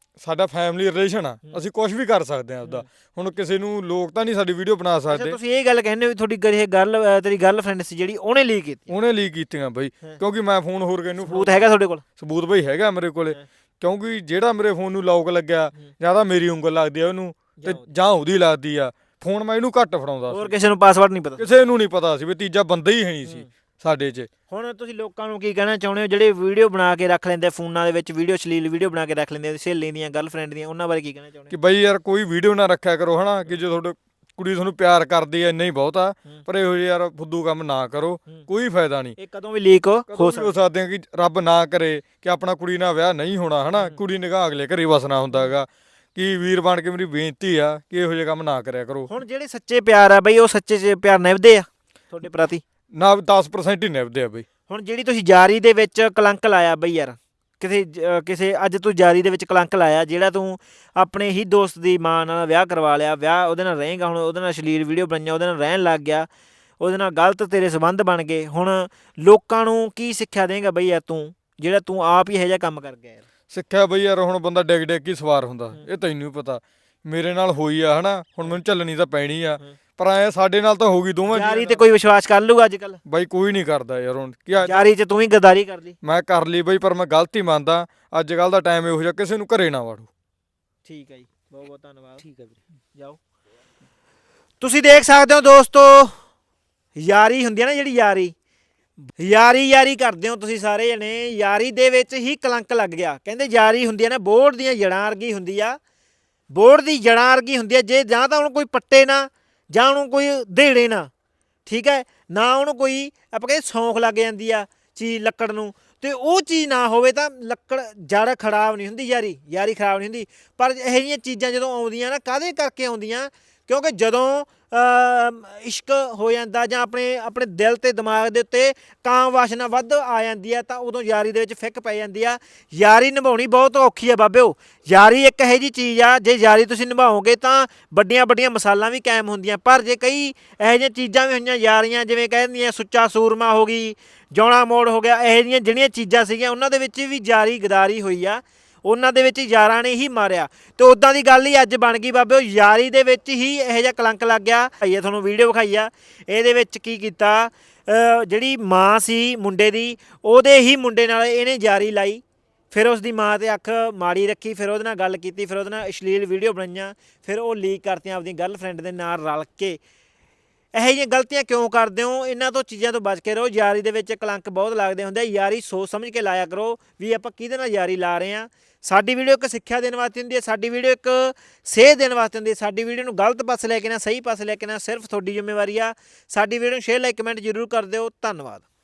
[SPEAKER 2] ਸਾਡਾ ਫੈਮਿਲੀ ਰਿਲੇਸ਼ਨ ਆ, ਅਸੀਂ ਕੁਝ ਵੀ ਕਰ ਸਕਦੇ ਆ ਆਪਦਾ। ਹੁਣ ਕਿਸੇ ਨੂੰ ਲੋਕ ਤਾਂ ਨਹੀਂ ਸਾਡੀ ਵੀਡੀਓ ਬਣਾ
[SPEAKER 1] ਅੱਛਾ
[SPEAKER 2] ਸਕਦੇ।
[SPEAKER 1] ਤੁਸੀਂ ਇਹ ਗੱਲ ਕਹਿੰਦੇ ਹੋ ਵੀ ਤੁਹਾਡੀ ਗਰੇ ਗੱਲ ਅ, ਤੇਰੀ ਗਰਲਫ੍ਰੈਂਡ ਸੀ ਜਿਹੜੀ ਉਹਨੇ ਲੀਕ ਕੀਤੀ,
[SPEAKER 2] ਉਹਨੇ ਲੀਕ ਕੀਤੀਆਂ ਬਈ, ਕਿਉਂਕਿ ਮੈਂ ਫੋਨ ਹੋਰ ਕਿਹਨੂੰ
[SPEAKER 1] ਸਬੂਤ ਹੈਗਾ ਤੁਹਾਡੇ ਕੋਲ?
[SPEAKER 2] ਸਬੂਤ ਬਈ ਹੈਗਾ ਮੇਰੇ ਕੋਲੇ, ਕਿਉਂਕਿ ਜਿਹੜਾ ਮੇਰੇ ਫੋਨ ਨੂੰ ਲੌਕ ਲੱਗਿਆ ਜਾਂ ਤਾਂ ਮੇਰੀ ਉਂਗਲ ਲੱਗਦੀ ਆ ਉਹਨੂੰ ਤੇ ਜਾਂ ਉਹਦੀ ਲੱਗਦੀ ਆ। ਫੋਨ ਮੈਂ ਇਹਨੂੰ ਘੱਟ ਫੜਾਉਂਦਾ
[SPEAKER 1] ਹੋਰ
[SPEAKER 2] ਸੀ,
[SPEAKER 1] ਕਿਸੇ ਨੂੰ ਪਾਸਵਰਡ ਨਹੀਂ ਪਤਾ?
[SPEAKER 2] ਕਿਸੇ ਨੂੰ ਨਹੀਂ ਪਤਾ ਸੀ ਵੀ ਤੀਜਾ ਬੰਦਾ ਹੀ ਹੈ ਨਹੀਂ ਸੀ ਸਾਡੇ 'ਚ।
[SPEAKER 1] ਹੁਣ ਤੁਸੀਂ ਲੋਕਾਂ ਨੂੰ ਕੀ ਕਹਿਣਾ ਚਾਹੁੰਦੇ ਹੋ ਜਿਹੜੇ ਵੀਡੀਓ ਬਣਾ ਕੇ ਰੱਖ ਲੈਂਦੇ ਫੋਨਾਂ ਦੇ ਵਿੱਚ, ਵੀਡੀਓ ਅਸ਼ਲੀਲ ਵੀਡੀਓ ਬਣਾ ਕੇ ਰੱਖ ਲੈਂਦੇ ਸਹੇਲੀ ਦੀਆਂ ਗਰਲਫ੍ਰੈਂਡ ਦੀਆਂ, ਉਹਨਾਂ ਬਾਰੇ ਕੀ ਕਹਿਣਾ ਚਾਹੁੰਦੇ
[SPEAKER 2] ਕਿ ਬਈ ਯਾਰ ਕੋਈ ਵੀਡੀਓ ਨਾ ਰੱਖਿਆ ਕਰੋ ਹਨਾ, ਕਿ ਜੇ ਤੁਹਾਡੇ ਕੁੜੀ ਤੁਹਾਨੂੰ ਪਿਆਰ ਕਰਦੀ ਐ ਇੰਨਾ ਹੀ ਬਹੁਤ ਆ, ਪਰ ਇਹੋ ਜਿਹੇ ਯਾਰ ਫੁੱਦੂ ਕੰਮ ਨਾ ਕਰੋ, ਕੋਈ ਫਾਇਦਾ ਨਹੀਂ।
[SPEAKER 1] ਇਹ ਕਦੋਂ ਵੀ ਲੀਕ ਹੋ
[SPEAKER 2] ਹੋ ਸਕਦੇ ਆ ਕਿ ਰੱਬ ਨਾ ਕਰੇ ਕਿ ਆਪਣਾ ਕੁੜੀ ਨਾਲ ਵਿਆਹ ਨਹੀਂ ਹੋਣਾ ਹਨਾ, ਕੁੜੀ ਨਿਗਾਹ ਅਗਲੇ ਘਰੇ ਵਸਣਾ ਹੁੰਦਾ ਹੈਗਾ। ਕਿ ਵੀਰ ਬਣ ਕੇ ਮੇਰੀ ਬੇਨਤੀ ਆ ਕਿ ਇਹੋ ਜਿਹੇ ਕੰਮ ਨਾ ਕਰਿਆ ਕਰੋ।
[SPEAKER 1] ਹੁਣ ਜਿਹੜੇ ਸੱਚੇ ਪਿਆਰ ਆ ਬਈ ਉਹ ਸੱਚੇ ਚ ਪਿਆਰ ਨਿਭਦੇ ਆ ਤੁਹਾਡੇ ਪ੍ਰਤੀ?
[SPEAKER 2] ਨਾ ਦਸ ਪਰਸੈਂਟ ਹੀ ਨਿਭਦੇ ਆ ਬਈ।
[SPEAKER 1] ਹੁਣ ਜਿਹੜੀ ਤੁਸੀਂ ਯਾਰੀ ਦੇ ਵਿੱਚ ਕਲੰਕ ਲਾਇਆ ਬਈ ਯਾਰ, ਕਿਸੇ ਜ- ਕਿਸੇ ਅੱਜ ਤੂੰ ਯਾਰੀ ਦੇ ਵਿੱਚ ਕਲੰਕ ਲਾਇਆ, ਜਿਹੜਾ ਤੂੰ ਆਪਣੇ ਹੀ ਦੋਸਤ ਦੀ ਮਾਂ ਨਾਲ ਵਿਆਹ ਕਰਵਾ ਲਿਆ, ਵਿਆਹ ਉਹਦੇ ਨਾਲ ਰਹੇਗਾ, ਹੁਣ ਉਹਦੇ ਨਾਲ ਅਸ਼ਲੀਲ ਵੀਡੀਓ ਬਣਾਈਆਂ, ਉਹਦੇ ਨਾਲ ਰਹਿਣ ਲੱਗ ਗਿਆ, ਉਹਦੇ ਨਾਲ ਗਲਤ ਤੇਰੇ ਸੰਬੰਧ ਬਣ ਗਏ। ਹੁਣ ਲੋਕਾਂ ਨੂੰ ਕੀ ਸਿੱਖਿਆ ਦੇਂਗਾ ਬਈ ਯਾਰ ਤੂੰ, ਜਿਹੜਾ ਤੂੰ ਆਪ ਹੀ ਇਹੋ ਜਿਹਾ ਕੰਮ ਕਰ ਗਿਆ ਯਾਰ?
[SPEAKER 2] ਸਿੱਖਿਆ ਬਈ ਯਾਰ ਹੁਣ ਬੰਦਾ ਡਿੱਗ ਡਿੱਗ ਕੇ ਸਵਾਰ ਹੁੰਦਾ, ਇਹ ਤੈਨੂੰ ਵੀ ਪਤਾ ਮੇਰੇ ਨਾਲ ਹੋਈ ਆ ਹਨਾ, ਹੁਣ ਮੈਨੂੰ ਝੱਲਣੀ ਤਾਂ ਪੈਣੀ ਆ, ਪਰ ਐ ਸਾਡੇ ਨਾਲ ਤਾਂ ਹੋ ਗਈ ਦੋਵਾਂ
[SPEAKER 1] ਯਾਰੀ ਤੇ ਕੋਈ ਵਿਸ਼ਵਾਸ ਕਰ ਲੂਗਾ ਅੱਜ ਕੱਲ?
[SPEAKER 2] ਬਾਈ ਕੋਈ ਨਹੀਂ ਕਰਦਾ ਯਾਰ। ਹੁਣ ਕੀ ਆ,
[SPEAKER 1] ਯਾਰੀ ਚ ਤੂੰ ਹੀ ਗਦਾਰੀ ਕਰ ਲਈ।
[SPEAKER 2] ਮੈਂ ਕਰ ਲਈ ਬਈ, ਪਰ ਮੈਂ ਗਲਤੀ ਮੰਨਦਾ। ਅੱਜ ਕੱਲ ਦਾ ਟਾਈਮ ਇਹੋ ਜਿਹਾ, ਕਿਸੇ ਨੂੰ ਘਰੇ ਨਾ ਵਾੜੋ।
[SPEAKER 1] ਠੀਕ ਹੈ ਜੀ, ਬਹੁਤ ਬਹੁਤ ਧੰਨਵਾਦ।
[SPEAKER 3] ਠੀਕ ਹੈ ਵੀਰੇ।
[SPEAKER 1] ਜਾਓ। ਤੁਸੀਂ ਦੇਖ ਸਕਦੇ ਹੋ ਦੋਸਤੋ, ਯਾਰੀ ਹੁੰਦੀ ਹੈ ਨਾ ਜਿਹੜੀ ਯਾਰੀ, ਯਾਰੀ ਯਾਰੀ ਕਰਦੇ ਹੋ ਤੁਸੀਂ ਸਾਰੇ ਜਣੇ, ਯਾਰੀ ਦੇ ਵਿੱਚ ਹੀ ਕਲੰਕ ਲੱਗ ਗਿਆ। ਕਹਿੰਦੇ ਯਾਰੀ ਹੁੰਦੀ ਹੈ ਨਾ ਬੋਰਡ ਦੀਆਂ ਜੜਾਂ ਵਰਗੀ ਹੁੰਦੀ ਆ, ਬੋਰਡ ਦੀ ਜੜਾਂ ਵਰਗੀ ਹੁੰਦੀ ਆ, ਜੇ ਜਾਂ ਤਾਂ ਉਹਨੂੰ ਕੋਈ ਪੱਟੇ ਨਾ ਜਾਂ ਉਹਨੂੰ ਕੋਈ ਦੇੜੇ ਨਾ, ਠੀਕ ਹੈ ਨਾ, ਉਹਨੂੰ ਕੋਈ ਆਪਾਂ ਕਹਿੰਦੇ ਸੌਂਖ ਲੱਗ ਜਾਂਦੀ ਆ ਚੀਜ਼ ਲੱਕੜ ਨੂੰ, ਤੇ ਉਹ ਚੀਜ਼ ਨਾ ਹੋਵੇ ਤਾਂ ਲੱਕੜ ਜੜ ਖਰਾਬ ਨਹੀਂ ਹੁੰਦੀ, ਯਾਰੀ ਯਾਰੀ ਖਰਾਬ ਨਹੀਂ ਹੁੰਦੀ। ਪਰ ਇਹੋ ਜਿਹੀਆਂ ਚੀਜ਼ਾਂ ਜਦੋਂ ਆਉਂਦੀਆਂ ਨਾ, ਕਾਹਦੇ ਕਰਕੇ ਆਉਂਦੀਆਂ? ਕਿਉਂਕਿ ਜਦੋਂ ਇਸ਼ਕ ਹੋ ਜਾਂਦਾ ਜਾਂ ਆਪਣੇ ਆਪਣੇ ਦਿਲ ਤੇ ਦਿਮਾਗ ਦੇ ਉੱਤੇ ਕਾਮ ਵਾਸ਼ਨਾ ਵੱਧ ਆ ਜਾਂਦੀ ਆ, ਤਾਂ ਉਦੋਂ ਯਾਰੀ ਦੇ ਵਿੱਚ ਫਿੱਕ ਪੈ ਜਾਂਦੀ ਆ। ਯਾਰੀ ਨਿਭਾਉਣੀ ਬਹੁਤ ਔਖੀ ਆ ਬਾਬਿਓ। ਯਾਰੀ ਇੱਕ ਇਹੋ ਜਿਹੀ ਚੀਜ਼ ਆ, ਜੇ ਯਾਰੀ ਤੁਸੀਂ ਨਿਭਾਓਗੇ ਤਾਂ ਵੱਡੀਆਂ ਵੱਡੀਆਂ ਮਿਸਾਲਾਂ ਵੀ ਕਾਇਮ ਹੁੰਦੀਆਂ, ਪਰ ਜੇ ਕਈ ਇਹੋ ਜਿਹੀਆਂ ਚੀਜ਼ਾਂ ਵੀ ਹੋਈਆਂ ਯਾਰੀਆਂ, ਜਿਵੇਂ ਕਹਿ ਦਿੰਦੀਆਂ ਸੁੱਚਾ ਸੂਰਮਾ ਹੋ ਗਈ, ਜੌਣਾ ਮੋੜ ਹੋ ਗਿਆ, ਇਹੋ ਜਿਹੀਆਂ ਜਿਹੜੀਆਂ ਚੀਜ਼ਾਂ ਸੀਗੀਆਂ ਉਹਨਾਂ ਦੇ ਵਿੱਚ ਵੀ ਯਾਰੀ ਗਦਾਰੀ ਹੋਈ ਆ, ਉਹਨਾਂ ਦੇ ਵਿੱਚ ਯਾਰਾਂ ਨੇ ਹੀ ਮਾਰਿਆ। ਤੇ ਉਦਾਂ ਦੀ ਗੱਲ ਹੀ ਅੱਜ ਬਣ ਗਈ ਬਾਬਿਓ, ਯਾਰੀ ਦੇ ਵਿੱਚ ਹੀ ਇਹੋ ਜਿਹਾ ਕਲੰਕ ਲੱਗ ਗਿਆ। ਭਾਈਏ ਤੁਹਾਨੂੰ ਵੀਡੀਓ ਵਿਖਾਈ ਆ, ਇਹਦੇ ਵਿੱਚ ਕੀ ਕੀਤਾ, ਜਿਹੜੀ ਮਾਂ ਸੀ ਮੁੰਡੇ ਦੀ, ਉਹਦੇ ਹੀ ਮੁੰਡੇ ਨਾਲ ਇਹਨੇ ਯਾਰੀ ਲਾਈ, ਫਿਰ ਉਸ ਦੀ ਮਾਂ ਤੇ ਅੱਖ ਮਾੜੀ ਰੱਖੀ, ਫਿਰ ਉਹਦੇ ਨਾਲ ਗੱਲ ਕੀਤੀ, ਫਿਰ ਉਹਦੇ ਨਾਲ ਅਸ਼ਲੀਲ ਵੀਡੀਓ ਬਣਾਈਆਂ, ਫਿਰ ਉਹ ਲੀਕ ਕਰਤੀਆਂ ਆਪਣੀ ਗਰਲਫ੍ਰੈਂਡ ਦੇ ਨਾਲ ਰਲ ਕੇ। ਇਹੋ ਜਿਹੀਆਂ ਗਲਤੀਆਂ ਕਿਉਂ ਕਰਦੇ ਹੋ? ਇਹਨਾਂ ਤੋਂ ਚੀਜ਼ਾਂ ਤੋਂ ਬਚ ਕੇ ਰਹੋ। ਯਾਰੀ ਦੇ ਵਿੱਚ ਕਲੰਕ ਬਹੁਤ ਲੱਗਦੇ ਹੁੰਦੇ ਆ, ਯਾਰੀ ਸੋਚ ਸਮਝ ਕੇ ਲਾਇਆ ਕਰੋ ਵੀ ਆਪਾਂ ਕਿਹਦੇ ਨਾਲ ਯਾਰੀ ਲਾ ਰਹੇ ਹਾਂ। ਸਾਡੀ ਵੀਡੀਓ ਇੱਕ ਸਿੱਖਿਆ ਦੇਣ ਵਾਸਤੇ ਹੁੰਦੀ ਹੈ, ਸਾਡੀ ਵੀਡੀਓ ਇੱਕ ਸੇਧ ਦੇਣ ਵਾਸਤੇ ਹੁੰਦੀ ਹੈ। ਸਾਡੀ ਵੀਡੀਓ ਨੂੰ ਗਲਤ ਪਾਸੇ ਲੈ ਕੇ ਨਾ ਸਹੀ ਪਾਸੇ ਲੈ ਕੇ ਨਾ ਸਿਰਫ ਤੁਹਾਡੀ ਜ਼ਿੰਮੇਵਾਰੀ ਆ। ਸਾਡੀ ਵੀਡੀਓ ਨੂੰ ਸ਼ੇਅਰ ਲਾਈਕ ਕਮੈਂਟ ਜ਼ਰੂਰ ਕਰ ਦਿਓ। ਧੰਨਵਾਦ।